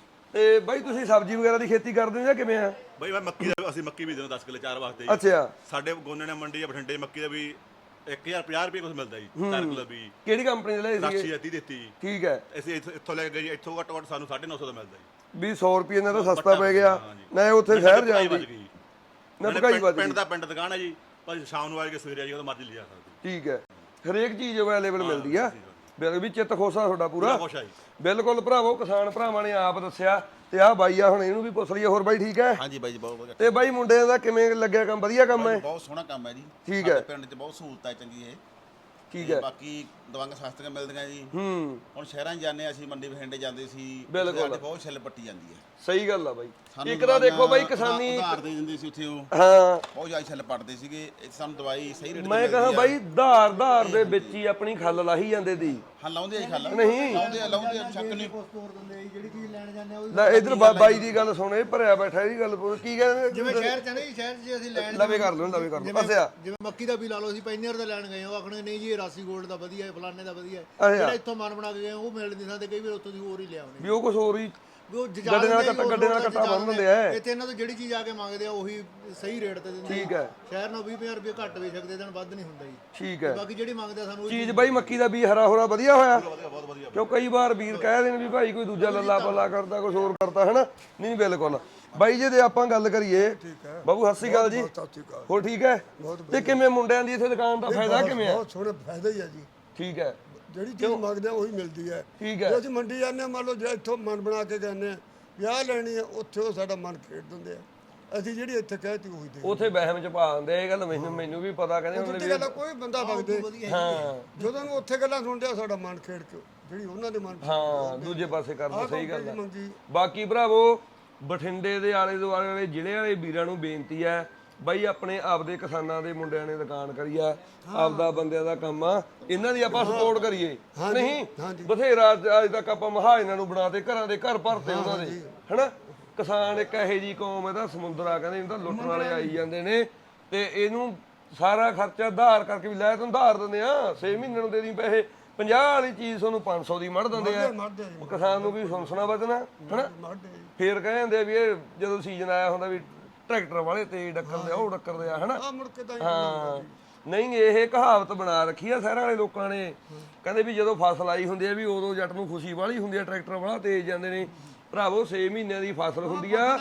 ਤੇ ਬਾਈ ਤੁਸੀਂ ਸਬਜ਼ੀ ਵਗੈਰਾ ਦੀ ਖੇਤੀ ਕਰਦੇ ਹੋ ਜਾਂ ਕਿਵੇਂ ਆ?
ਬਈ ਮੈਂ ਮੱਕੀ ਦਾ ਅਸੀਂ ਮੱਕੀ ਵੀ ਦਿੰਦੇ ਦਸ ਕਿੱਲੇ ਚਾਰ ਵਾਸਤੇ ਜੀ।
ਅੱਛਾ।
ਸਾਡੇ ਗੋਨੇ ਨੇ ਮੰਡੀ ਆ ਬਠਿੰਡੇ ਮੱਕੀ ਦਾ ਵੀ ਇੱਕ ਹਜ਼ਾਰ ਪੰਜਾਹ ਰੁਪਏ ਕੁਝ ਮਿਲਦਾ ਜੀ ਚਾਰ ਕਿੱਲੇ ਵੀ।
ਕਿਹੜੀ ਕੰਪਨੀ ਦੇ ਲਈ
ਰਾਸ਼ੀ
ਸੀ?
ਅੱਧੀ ਦਿੱਤੀ ਜੀ।
ਠੀਕ ਹੈ।
ਅਸੀਂ ਇੱਥੋਂ ਇੱਥੋਂ ਲੈ ਕੇ ਗਏ ਜੀ, ਇੱਥੋਂ ਘੱਟੋ ਘੱਟ ਸਾਨੂੰ ਸਾਢੇ ਨੌ ਸੌ ਦਾ ਮਿਲਦਾ ਜੀ।
ਵੀ ਸੌ ਰੁਪਏ ਨਾਲ ਤਾਂ ਸਸਤਾ ਪੈ ਗਿਆ ਨਾ, ਉੱਥੇ ਸ਼ਹਿਰ ਜਾਣ ਦੀ ਨਾ ਭਕਾਈ ਵੱਜ
ਪਿੰਡ
ਗਈ।
ਦਾ ਪਿੰਡ ਦੁਕਾਨ ਹੈ ਜੀ, ਪਰ ਸ਼ਾਮ ਨੂੰ ਆ ਕੇ ਸਵੇਰੇ ਆ ਜੀ, ਉਹਦਾ ਮਰਜ਼ੀ ਲਿਜਾ ਸਕਦੇ।
ਠੀਕ ਹੈ। ਹਰੇਕ ਚੀਜ਼ ਅਵੇਲੇਬਲ ਮਿਲਦੀ ਆ। ਬਿਲਕੁਲ ਵੀ ਚਿੱਤ ਖੋਸਾ ਤੁਹਾਡਾ ਪੂਰਾ?
ਖੁਸ਼ ਆ ਜੀ।
ਬਿਲਕੁਲ ਭਰਾਵੋ, ਕਿਸਾਨ ਭਰਾਵਾਂ ਨੇ ਆਪ ਦੱਸਿਆ ਤੇ ਆਹ ਬਾਈ ਆ, ਹੁਣ ਇਹਨੂੰ ਵੀ ਪੁੱਛ ਲਈਏ। ਹੋਰ ਬਾਈ ਠੀਕ ਹੈ?
ਹਾਂਜੀ ਬਾਈ ਜੀ ਬਹੁਤ ਵਧੀਆ।
ਤੇ ਬਾਈ ਮੁੰਡਿਆਂ ਦਾ ਕਿਵੇਂ ਲੱਗਿਆ ਕੰਮ? ਵਧੀਆ ਕੰਮ ਹੈ?
ਬਹੁਤ ਸੋਹਣਾ ਕੰਮ ਹੈ ਜੀ।
ਠੀਕ ਹੈ।
ਪਿੰਡ 'ਚ ਬਹੁਤ ਸਹੂਲਤ ਹੈ ਚੰਗੀ ਇਹ।
ਠੀਕ
ਤੇ
ਹੈ।
ਬਾਕੀ ਦਵਾਈਆਂ ਸਸਤੀਆਂ ਮਿਲਦੀਆਂ ਜੀ।
ਹੂੰ।
ਹੁਣ ਸ਼ਹਿਰਾਂ 'ਚ ਜਾਂਦੇ ਅਸੀਂ, ਮੰਡੀ ਬਠਿੰਡੇ ਜਾਂਦੇ ਸੀ,
ਬਿਲਕੁਲ।
ਸਾਡੇ ਬਹੁਤ ਛਿੱਲ ਪੱਟੀ ਜਾਂਦੀ ਹੈ।
ਸਹੀ ਗੱਲ ਆ ਬਾਈ।
ਸਾਨੂੰ
ਇੱਕ ਤਾਂ ਦੇਖੋ ਬਾਈ
ਦਵਾਈਆਂ
ਕਿਸਾਨੀ
ਉਧਾਰ ਦੇ ਦਿੰਦੇ ਸੀ ਉੱਥੇ, ਉਹ
ਹਾਂ
ਬਹੁਤ ਜ਼ਿਆਦਾ ਛਿੱਲ ਪੱਟਦੇ ਸੀਗੇ। ਇੱਥੇ ਸਾਨੂੰ ਦਵਾਈ ਸਹੀ ਰੇਟ ਤੇ
ਮੈਂ ਕਹਾਂ
ਮਿਲਦੀ ਆ।
ਬਾਈ ਧਾਰ ਧਾਰ ਦੇ ਵਿੱਚ ਹੀ ਆਪਣੀ ਖੱਲ ਲਾਹੀ ਜਾਂਦੇ ਦੀ।
ਹਾਂ ਲਾਉਂਦੇ ਆ ਜੀ ਖੱਲ।
ਨਹੀਂ।
ਲਾਉਂਦੇ ਆ ਲਾਉਂਦੇ ਆ, ਸ਼ੱਕ ਨਹੀਂ।
ਸਟੋਰ ਦਿੰਦੇ ਜਿਹੜੀ ਚੀਜ਼ ਲੈਣ ਜਾਂਦੇ ਆ ਉਹ
ਲੈ ਇਧਰ ਬਾਈ ਦੀ ਗੱਲ ਸੁਣ, ਇਹ ਭਰਿਆ ਬੈਠਾ ਇਹਦੀ ਗੱਲ ਪੁੱਛ। ਕੀ ਕਹਿੰਦੇ?
ਜਿਵੇਂ ਸ਼ਹਿਰ ਚ ਨਹੀਂ, ਸ਼ਹਿਰ 'ਚ ਅਸੀਂ ਲੈਣ
ਲਵੇ ਕਰ ਲਓ, ਲਵੇ ਕਰ ਲਓ। ਅੱਛਾ।
ਜਿਵੇਂ ਮੱਕੀ ਦਾ ਵੀ ਲਾ ਲਓ, ਅਸੀਂ ਪੈਨੀਅਰ ਦਾ ਲੈਣ ਗਏ, ਉਹ ਆਖਣਗੇ ਨਹੀਂ ਜੀ ਇਹ ਰਾਸੀ ਗੋਲਡ ਦਾ ਵਧੀਆ ਹੈ, ਫਲਾਣੇ ਦਾ ਵਧੀਆ ਹੈ।
ਅੱਛਾ।
ਜਿਹੜਾ ਇੱਥੋਂ ਮਨ ਬਣਾ ਕੇ ਗਏ ਉਹ ਮਿਲ ਨਹੀਂ ਸਕਦੇ, ਕਈ ਵਾਰ ਉੱਥੋਂ ਦੀ ਹੋਰ ਹੀ ਲਿਆਉਂਦੇ।
ਵੀ ਉਹ ਕੁਝ ਹੋਰ ਹੀ
ਉਹ ਜਜਾ
ਗੱਡੇ ਨਾਲ
ਦਿੰਦੇ ਆ,
ਕੱਟਾ ਗੱਡੇ ਨਾਲ
ਉਸ
ਕੱਟਾ
ਜਜਾ
ਬੰਨ ਦਿੰਦੇ ਆ
ਇੱਥੇ ਇਹਨਾਂ ਤੋਂ ਜਿਹੜੀ ਚੀਜ਼ ਆ ਕੇ ਮੰਗਦੇ ਆ ਉਹੀ ਸਹੀ ਰੇਟ ਤੇ ਦਿੰਦੇ
ਠੀਕ ਹੈ।
ਸ਼ਹਿਰ ਨਾਲ ਵੀਹ ਪੰਜਾਹ ਰੁਪਏ ਘੱਟ ਵੇਚ ਸਕਦੇ, ਦਿਨ ਵੱਧ ਨਹੀਂ ਹੁੰਦਾ ਜੀ।
ਠੀਕ ਹੈ।
ਬਾਕੀ ਜਿਹੜੀ ਮੰਗਦੇ ਆ ਸਾਨੂੰ ਉਹ
ਚੀਜ਼ ਬਾਈ ਮੱਕੀ ਦਾ ਬੀਜ ਹਰਾ ਹੋਰਾ ਵਧੀਆ ਹੋਇਆ ਕਿਉਂ ਕਈ ਵਾਰ ਵੀਰ ਕਹਿ ਦੇਣ ਵੀ ਭਾਈ ਕੋਈ ਦੂਜਾ ਲੱਲਾ ਪੱਲਾ ਕਰਦਾ ਕੁਝ ਹੋਰ ਕਰਦਾ ਹਨਾ ਨਹੀਂ ਬਿਲਕੁਲ ਬਾਈ ਜੇ ਦੇ ਆਪਾਂ ਗੱਲ ਕਰੀਏ ਬਾਬੂ ਸਤਿ ਸ਼੍ਰੀ ਅਕਾਲ ਜੀ ਹੋਰ ਠੀਕ ਹੈ ਤੇ ਕਿਵੇਂ ਮੁੰਡਿਆਂ ਦੀ ਇੱਥੇ ਦੁਕਾਨ ਦਾ ਫਾਇਦਾ ਕਿਵੇਂ ਹੈ
ਬਹੁਤ ਸੋਹਣਾ ਫਾਇਦਾ ਹੀ ਆ ਜੀ।
ਠੀਕ ਹੈ
ਜਿਹੜੀ ਚੀਜ਼ ਮੰਗਦੇ ਆ ਉਹੀ ਮਿਲਦੀ ਹੈ।
ਠੀਕ ਹੈ
ਜੇ ਅਸੀਂ ਮੰਡੀ ਜਾਂਦੇ ਹਾਂ, ਮੰਨ ਲਓ ਜੇ ਇੱਥੋਂ ਮਨ ਬਣਾ ਕੇ ਜਾਂਦੇ ਆ ਵਿਆਹ ਲੈਣੀ ਆ, ਉੱਥੇ ਉਹ ਸਾਡਾ ਮਨ ਖੇਡ ਦਿੰਦੇ ਆ। ਅਸੀਂ ਜਿਹੜੀ ਇੱਥੇ ਕਹਿਤੀ ਉਹੀ ਦੇ
ਉਥੇ ਵਹਿਮ ਚ ਪਾ ਦਿੰਦੇ ਇਹ ਗੱਲ ਮੈਨੂੰ ਮੈਨੂੰ ਵੀ ਪਤਾ ਕਹਿੰਦੇ
ਉੱਥੇ
ਹੁੰਦੇ
ਗੱਲ ਆ, ਕੋਈ ਬੰਦਾ ਵਗਦੇ
ਹਾਂ
ਜਦੋਂ ਨੂੰ ਉੱਥੇ ਗੱਲਾਂ ਸੁਣਦੇ ਆ ਸਾਡਾ ਮਨ ਖੇਡ ਕੇ ਜਿਹੜੀ ਉਹਨਾਂ ਦੇ ਮਨ
ਹਾਂ ਦੂਜੇ ਪਾਸੇ ਕਰਦਾ ਸਹੀ ਗੱਲ ਹੈ
ਮੰਗੀ
ਬਾਕੀ ਭਰਾਵੋ ਬਠਿੰਡੇ ਦੇ ਆਲੇ ਦੁਆਲੇ ਵਾਲੇ ਜ਼ਿਲ੍ਹੇ ਵਾਲੇ ਵੀਰਾਂ ਨੂੰ ਬੇਨਤੀ ਹੈ ਬਾਈ ਆਪਣੇ ਆਪਦੇ ਕਿਸਾਨਾਂ ਦੇ ਮੁੰਡਿਆਂ ਨੇ ਦੁਕਾਨ ਕਰੀ ਆ ਆਪਦਾ ਬੰਦਿਆਂ ਦਾ ਕੰਮ ਆ ਇਹਨਾਂ ਦੀ ਆਪਾਂ ਸਪੋਰਟ ਕਰੀਏ ਨਹੀਂ ਬਥੇਰਾ ਅੱਜ ਤੱਕ ਆਪਾਂ ਮਹਾਜਨਾਂ ਨੂੰ ਬਣਾਤੇ ਘਰਾਂ ਦੇ ਘਰ ਭਰਤੇ ਉਹਨਾਂ ਦੇ ਹਨਾ ਕਿਸਾਨ ਇੱਕ ਇਹੋ ਜੀ ਕੌਮ ਇਹਦਾ ਸਮੁੰਦਰ ਆ ਕਹਿੰਦੇ ਇਹਨੂੰ ਤਾਂ ਲੁੱਟਣ ਵਾਲੇ ਆਈ ਜਾਂਦੇ ਨੇ ਤੇ ਇਹਨੂੰ ਸਾਰਾ ਖਰਚਾ ਉਧਾਰ ਕਰਕੇ ਵੀ ਲੈ ਤੈਨੂੰ ਉਧਾਰ ਦਿੰਦੇ ਆ ਛੇ ਮਹੀਨੇ ਨੂੰ ਦੇ ਦੀ ਪੈਸੇ ਪੰਜਾਹ ਵਾਲੀ ਚੀਜ਼ ਤੁਹਾਨੂੰ ਪੰਜ ਸੌ ਦੀ ਮੜ ਦਿੰਦੇ ਆ ਕਿਸਾਨ ਨੂੰ ਵੀ ਸੁਣਸਣਾ ਬਚਣਾ ਹਨਾ ਫੇਰ ਕਹਿੰਦੇ ਵੀ ਇਹ ਜਦੋਂ ਸੀਜ਼ਨ ਆਇਆ ਹੁੰਦਾ ਵੀ ਟਰੈਕਟਰ ਵਾਲੇ ਤੇ ਡੱਕਰਦੇ ਆ ਉਹ ਡੱਕਰਦੇ ਆ ਹਨਾ ਹਾਂ ਨਹੀਂ ਇਹ ਕਹਾਵਤ ਬਣਾ ਰੱਖੀ ਆ ਸ਼ਹਿਰਾਂ ਵਾਲੇ ਲੋਕਾਂ ਨੇ ਕਹਿੰਦੇ ਵੀ ਜਦੋਂ ਫਸਲ ਆਈ ਹੁੰਦੀ ਆ ਵੀ ਉਦੋਂ ਜੱਟ ਨੂੰ ਖੁਸ਼ੀ ਵਾਲੀ ਹੁੰਦੀ ਆ ਟਰੈਕਟਰ ਵਾਲਾ ਤੇਜ਼ ਜਾਂਦੇ ਨੇ ਭਰਾਵੋ ਛੇ ਮਹੀਨਿਆਂ ਦੀ ਫਸਲ ਹੁੰਦੀ ਆ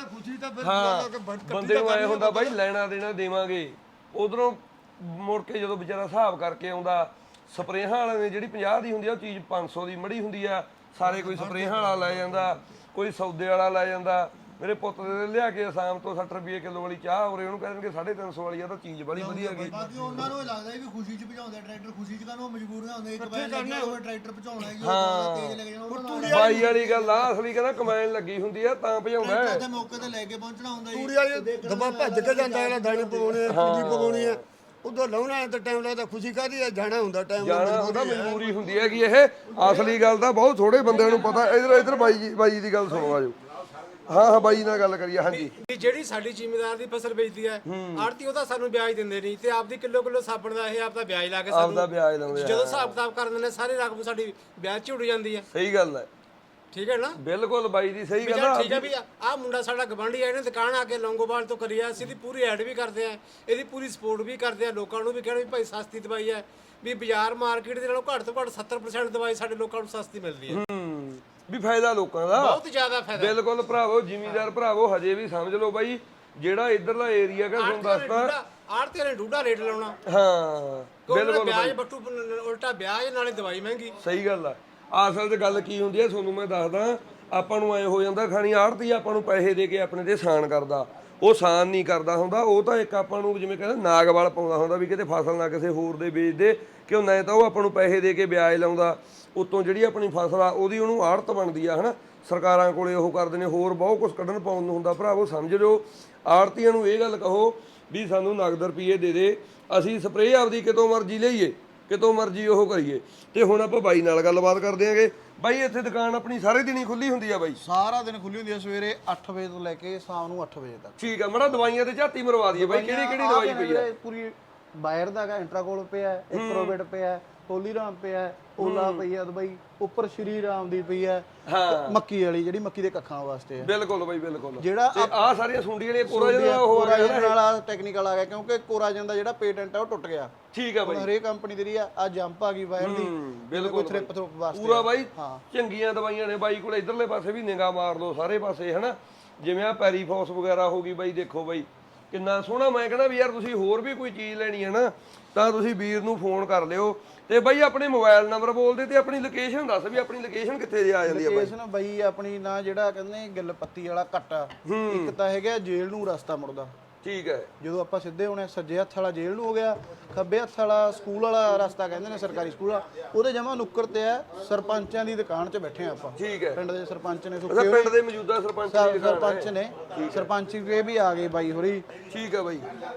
ਹਾਂ ਬੰਦੇ ਨੂੰ ਐ ਹੁੰਦਾ ਬਾਈ ਲੈਣਾ ਦੇਣਾ ਦੇਵਾਂਗੇ ਉਧਰੋਂ ਮੁੜ ਕੇ ਜਦੋਂ ਵਿਚਾਰਾ ਹਿਸਾਬ ਕਰਕੇ ਆਉਂਦਾ ਸਪਰੇਹਾਂ ਵਾਲੇ ਨੇ ਜਿਹੜੀ ਪੰਜਾਹ ਦੀ ਹੁੰਦੀ ਆ ਉਹ ਚੀਜ਼ ਪੰਜ ਸੌ ਦੀ ਮੜੀ ਹੁੰਦੀ ਆ ਸਾਰੇ ਕੋਈ ਸਪਰੇਹਾਂ ਵਾਲਾ ਲੈ ਜਾਂਦਾ ਕੋਈ ਸੌਦੇ ਵਾਲਾ ਲੈ ਜਾਂਦਾ ਮੇਰੇ ਪੁੱਤ ਦੇ ਲਿਆ ਕੇ ਅਸਾਮ ਤੋਂ ਸੱਠ ਰੁਪਏ ਕਿਲੋ ਵਾਲੀ ਚਾਹ ਉਰੇ ਉਹਨੂੰ ਕਹਿ ਦੇਣਗੇ ਸਾਢੇ ਤਿੰਨ ਸੌ ਵਾਲੀ ਆ ਤਾਂ ਚੀਜ਼ ਬੜੀ ਵਧੀਆ ਗਈ
ਬਾਕੀ ਉਹਨਾਂ ਨੂੰ ਇਹ ਲੱਗਦਾ ਵੀ ਖੁਸ਼ੀ ਚ ਭਜਾਉਂਦੇ ਟਰੈਕਟਰ ਖੁਸ਼ੀ ਚ ਕਾਹਨੂੰ ਮਜਬੂਰੀਆਂ ਹੁੰਦੇ ਇੱਕ ਵਾਰ ਲੱਗਿਆ ਹੋਵੇ ਟਰੈਕਟਰ ਭਜਾਉਣਾ ਹੈ ਜੀ ਤੇਜ਼ ਲੱਗ ਜਾਣਾ ਉਹਨਾਂ ਨੂੰ
ਬਾਈ ਵਾਲੀ ਗੱਲ ਆ ਅਸਲੀ ਕਹਿੰਦਾ ਕਮੈਨ ਲੱਗੀ ਹੁੰਦੀ ਆ ਤਾਂ ਭਜਾਉਂਦਾ
ਤੇ ਮੌਕੇ ਤੇ ਲੈ ਕੇ ਪਹੁੰਚਣਾ ਹੁੰਦਾ ਜੀ
ਤੂੜੀ ਵਾਲੀ ਦਬਾ ਭੱਜ ਕੇ ਜਾਂਦਾ ਅਗਲਾ ਦਾਣੇ ਪਵਾਉਣੇ ਪੂਜੀ ਪਵਾਉਣੀ ਆ ਉਦੋਂ ਲਾਉਣਾ ਤਾਂ ਟਾਈਮ ਲੱਗਦਾ ਖੁਸ਼ੀ ਕਾਹਦੀ ਆ ਜਾਣਾ ਹੁੰਦਾ ਟਾਈਮ
ਜਾਣਾ ਉਹਦਾ ਮਜਬੂਰੀ ਹੁੰਦੀ ਹੈ ਕਿ ਇਹ ਅਸਲੀ ਗੱਲ ਤਾਂ ਬਹੁਤ ਥੋੜੇ ਬੰਦਿਆਂ ਨੂੰ ਪਤਾ ਇਧਰ ਇਧਰ ਬਾਈ ਜੀ ਬਾਈ ਦੀ ਗੱਲ ਸੁਣੋ ਆਜੋ ਹਾਂ ਹਾਂ ਬਾਈ ਨਾਲ ਗੱਲ ਕਰੀਏ ਹਾਂਜੀ
ਵੀ ਜਿਹੜੀ ਸਾਡੀ ਜ਼ਿਮੀਦਾਰ ਦੀ ਫਸਲ ਵੇਚਦੀ ਹੈ ਆੜਤੀ ਉਹ ਤਾਂ ਸਾਨੂੰ ਵਿਆਜ ਦਿੰਦੇ ਨਹੀਂ ਤੇ ਆਪਦੀ ਕਿਲੋ ਕਿਲੋ ਸਾਬਣ ਦਾ ਇਹ ਆਪਦਾ ਵਿਆਜ ਲਾ ਕੇ
ਆਪਦਾ ਵਿਆਜ ਲਾਉਂਦੇ ਆ
ਜਦੋਂ ਹਿਸਾਬ ਕਿਤਾਬ ਕਰ ਦਿੰਦੇ ਨੇ ਸਾਰੀ ਰਕਮ ਸਾਡੀ ਵਿਆਜ ਚ ਉੱਡ ਜਾਂਦੀ ਹੈ
ਸਹੀ ਗੱਲ ਹੈ
ਠੀਕ ਹੈ ਨਾ
ਬਿਲਕੁਲ ਬਾਈ ਦੀ ਸਹੀ
ਵੀ
ਗੱਲ
ਚੱਲ
ਆ
ਠੀਕ ਹੈ ਵੀ ਆਹ ਮੁੰਡਾ ਸਾਡਾ ਗਵਾਂਢੀ ਆ ਇਹਨੇ ਦੁਕਾਨ ਆ ਕੇ ਲੌਂਗੋਵਾਲ ਤੋਂ ਕਰੀ ਆ ਅਸੀਂ ਇਹਦੀ ਪੂਰੀ ਐਡ ਵੀ ਕਰਦੇ ਆ ਇਹਦੀ ਪੂਰੀ ਸਪੋਰਟ ਵੀ ਕਰਦੇ ਆ ਲੋਕਾਂ ਨੂੰ ਵੀ ਕਹਿਣਾ ਵੀ ਭਾਈ ਸਸਤੀ ਦਵਾਈ ਹੈ ਵੀ ਬਾਜ਼ਾਰ ਮਾਰਕੀਟ ਦੇ ਨਾਲੋਂ ਘੱਟ ਤੋਂ ਘੱਟ ਸੱਤਰ ਪਰਸੈਂਟ ਦਵਾਈ ਸਾਡੇ ਲੋਕਾਂ ਨੂੰ ਸਸਤੀ ਮਿਲਦੀ ਹੈ
ਹੂੰ ਵੀ ਫਾਇਦਾ ਲੋਕਾਂ ਦਾ
ਬਹੁਤ ਜ਼ਿਆਦਾ ਫਾਇਦਾ
ਬਿਲਕੁਲ ਭਰਾਵੋ ਜ਼ਿਮੀਦਾਰ ਭਰਾਵੋ ਹਜੇ ਵੀ ਸਮਝ ਲਓ ਬਾਈ ਜਿਹੜਾ ਇਧਰਲਾ ਏਰੀਆ ਕਾ ਤੁਹਾਨੂੰ ਦੱਸਦਾ
ਆੜਤੀ ਨੇ ਡੂਡਾ ਰੇਟ ਲਾਉਣਾ
ਹਾਂ
ਬਿਲਕੁਲ ਵਿਆਜ ਬੱਟੂ ਉਲਟਾ ਵਿਆਜ ਨਾਲੇ ਦਵਾਈ ਮਹਿੰਗੀ
ਸਹੀ ਗੱਲ ਆ ਅਸਲ 'ਚ ਗੱਲ ਕੀ ਹੁੰਦੀ ਹੈ ਤੁਹਾਨੂੰ ਮੈਂ ਦੱਸਦਾ ਆਪਾਂ ਨੂੰ ਐ ਹੋ ਜਾਂਦਾ ਖਾਣੀ ਆੜਤੀ ਆਪਾਂ ਨੂੰ ਪੈਸੇ ਦੇ ਕੇ ਆਪਣੇ ਤੇ ਸਾਨ ਕਰਦਾ ਉਹ ਸਾਨ ਨਹੀਂ ਕਰਦਾ ਹੁੰਦਾ ਉਹ ਤਾਂ ਇੱਕ ਆਪਾਂ ਨੂੰ ਜਿਵੇਂ ਕਹਿੰਦੇ ਨਾਗ ਵਾਲ ਪਾਉਂਦਾ ਹੁੰਦਾ ਵੀ ਕਿਤੇ ਫਸਲ ਨਾ ਕਿਸੇ ਹੋਰ ਦੇ ਵੇਚ ਦੇ ਕਿਉਂ ਨਾ ਤਾਂ ਉਹ ਆਪਾਂ ਨੂੰ ਪੈਸੇ ਦੇ ਕੇ ਵਿਆਜ ਲਾਉਂਦਾ ਉਤੋਂ ਜਿਹੜੀ ਆਪਣੀ ਫਸਲ ਆ ਉਹਦੀ ਉਹਨੂੰ ਆੜਤ ਬਣਦੀ ਆ ਹਨਾ ਸਰਕਾਰਾਂ ਕੋਲੇ ਉਹ ਕਰਦੇ ਨੇ ਹੋਰ ਬਹੁਤ ਕੁਝ ਕੱਢਣ ਪਾਉਣ ਨੂੰ ਹੁੰਦਾ ਭਰਾਵੋ ਸਮਝ ਲਿਓ ਆੜਤੀਆਂ ਨੂੰ ਇਹ ਗੱਲ ਕਹੋ ਵੀ ਸਾਨੂੰ ਨਗਦ ਰੁਪਏ ਦੇ ਦੇ ਅਸੀਂ ਸਪਰੇਅ ਆਪਦੀ ਕਿਤੋਂ ਮਰਜ਼ੀ ਲਈਏ ਕਿਤੋਂ ਮਰਜ਼ੀ ਉਹ ਕਰੀਏ ਤੇ ਹੁਣ ਆਪਾਂ ਬਾਈ ਨਾਲ ਗੱਲਬਾਤ ਕਰਦੇ ਆਂਗੇ ਬਾਈ ਇੱਥੇ ਦੁਕਾਨ ਆਪਣੀ ਸਾਰੇ ਦਿਨ ਹੀ ਖੁੱਲੀ ਹੁੰਦੀ ਆ ਬਾਈ
ਸਾਰਾ ਦਿਨ ਖੁੱਲੀ ਹੁੰਦੀ ਹੈ ਸਵੇਰੇ ਅੱਠ ਵਜੇ ਤੋਂ ਲੈ ਕੇ ਸ਼ਾਮ ਨੂੰ ਅੱਠ ਵਜੇ ਤੱਕ
ਠੀਕ ਆ ਮੜਾ ਦਵਾਈਆਂ ਤੇ ਝਾਤੀ ਮਰਵਾ ਦਈਏ ਬਾਈ ਕਿਹੜੀ ਕਿਹੜੀ ਦਵਾਈ ਪਈ ਆ
ਪੂਰੀ ਬਾਇਰ ਦਾ ਹੈਗਾ ਇੰਟਰਾਕੋਲ ਪਿਆ ਇੱਕ ਪ੍ਰੋਬੇਟ ਪਿਆ ਹੋਲੀਰਾਮ ਪਿਆ ਓਲਾ ਪਈ ਆ ਦਵਾਈ ਉੱਪਰ ਸ਼੍ਰੀ ਰਾਮ ਦੀ ਪਈ ਆ ਮੱਕੀ ਵਾਲੀ ਜਿਹੜੀ ਮੱਕੀ ਦੇ ਕੱਖਾਂ ਵਾਸਤੇ ਆ
ਬਿਲਕੁਲ ਬਾਈ ਬਿਲਕੁਲ
ਜਿਹੜਾ
ਤੇ ਆ ਸਾਰੀਆਂ ਸੁੰਡੀ ਵਾਲੀਆਂ ਕੋਰਾ ਜਿਹੜਾ ਉਹ ਆ ਗਿਆ
ਵਾਲਾ ਟੈਕਨੀਕਲ ਆ ਗਿਆ ਕਿਉਂਕਿ ਕੋਰਾਜਨ ਦਾ ਜਿਹੜਾ ਪੇਟੈਂਟ ਆ ਉਹ ਟੁੱਟ ਗਿਆ
ਠੀਕ ਆ ਬਾਈ
ਹਰੇਕ ਕੰਪਨੀ ਦੀ ਆ ਆ ਜੰਪ ਆ ਗਈ ਵਾਇਰ ਦੀ
ਬਿਲਕੁਲ
ਥ੍ਰਿਪ ਥ੍ਰੁਪ ਵਾਸਤੇ
ਪੂਰਾ ਬਾਈ ਚੰਗੀਆਂ ਦਵਾਈਆਂ ਨੇ ਬਾਈ ਕੋਲ ਇਧਰਲੇ ਪਾਸੇ ਵੀ ਨਿਗਾਹ ਮਾਰ ਲਓ ਸਾਰੇ ਪਾਸੇ ਹਨਾ ਜਿਵੇਂ ਆ ਪੈਰੀਫੋਸ ਵਗੈਰਾ ਹੋ ਗਈ ਬਾਈ ਦੇਖੋ ਬਾਈ ਕਿੰਨਾ ਸੋਹਣਾ ਮੈਂ ਕਹਿੰਦਾ ਵੀ ਯਾਰ ਤੁਸੀਂ ਹੋਰ ਵੀ ਕੋਈ ਚੀਜ਼ ਲੈਣੀ ਹੈ ਨਾ ਤਾਂ ਤੁਸੀਂ ਵੀਰ ਨੂੰ ਫੋਨ ਕਰ ਲਿਓ ਤੇ ਬਾਈ ਆਪਣੇ ਮੋਬਾਈਲ ਨੰਬਰ ਬੋਲਦੇ ਤੇ ਆਪਣੀ ਲੋਕੇਸ਼ਨ ਦੱਸ ਵੀ ਆਪਣੀ ਲੋਕੇਸ਼ਨ ਕਿੱਥੇ ਜੇ ਆ ਜਾਂਦੀ ਹੈ ਬਾਈ
ਲੋਕੇਸ਼ਨ ਬਾਈ ਆਪਣੀ ਨਾ ਜਿਹੜਾ ਕਹਿੰਦੇ ਗਿੱਲ ਪੱਤੀ ਵਾਲਾ ਕੱਟ ਇੱਕ ਤਾਂ ਹੈਗਾ ਜੇਲ੍ਹ ਨੂੰ ਰਸਤਾ ਮੁੜਦਾ
ਠੀਕ ਹੈ
ਜਦੋਂ ਆਪਾਂ ਸਿੱਧੇ ਹੋਣੇ ਸੱਜੇ ਹੱਥ ਵਾਲਾ ਜੇਲ੍ਹ ਨੂੰ ਹੋ ਗਿਆ ਖੱਬੇ ਹੱਥ ਵਾਲਾ ਸਕੂਲ ਵਾਲਾ ਰਸਤਾ ਕਹਿੰਦੇ ਨੇ ਸਰਕਾਰੀ ਸਕੂਲ ਆ ਉਹਦੇ ਜਮਾ ਨੁੱਕਰ ਤੇ ਆ ਸਰਪੰਚਾਂ ਦੀ ਦੁਕਾਨ 'ਚ ਬੈਠੇ ਆ ਆਪਾਂ
ਠੀਕ ਹੈ
ਪਿੰਡ ਦੇ ਸਰਪੰਚ ਨੇ
ਉਹਦਾ ਪਿੰਡ ਦੇ ਮੌਜੂਦਾ ਸਰਪੰਚ ਦੀ ਦੁਕਾਨ
ਸਰਪੰਚ ਨੇ ਸਰਪੰਚ ਵੀ ਵੀ ਆ ਗਏ ਬਾਈ ਹੋਰੀ
ਠੀਕ ਹੈ ਬਾਈ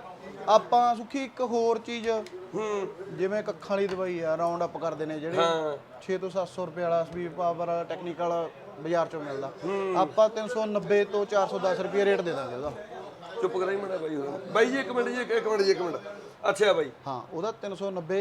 ਆਪਾਂ ਸੁਖੀ ਇੱਕ ਹੋਰ ਚੀਜ਼
ਹੂੰ
ਜਿਵੇਂ ਕੱਖਾਂ ਵਾਲੀ ਦਵਾਈ ਆ ਰਾਉਂਡ ਅਪ ਕਰਦੇ ਨੇ ਜਿਹੜੇ ਛੇ ਤੋਂ ਸੱਤ ਸੌ ਰੁਪਏ ਵਾਲਾ ਸਪੀਡ ਪਾਵਰ ਵਾਲਾ ਟੈਕਨੀਕਲ ਬਾਜ਼ਾਰ ਚੋਂ ਮਿਲਦਾ ਆਪਾਂ ਤਿੰਨ ਸੌ ਨੱਬੇ ਤੋਂ ਚਾਰ ਸੌ ਦਸ ਰੁਪਏ ਰੇਟ ਦੇ ਦਾਂਗੇ ਉਹਦਾ
ਚੁੱਪ ਕਰਾਈ ਮੜਾ ਬਾਈ ਹੋਰ ਬਾਈ ਜੀ ਇੱਕ ਮਿੰਟ ਜੀ ਇੱਕ ਮਿੰਟ ਜੀ ਇੱਕ ਮਿੰਟ ਅੱਛਾ ਬਾਈ
ਹਾਂ ਉਹਦਾ ਤਿੰਨ ਸੌ ਨੱਬੇ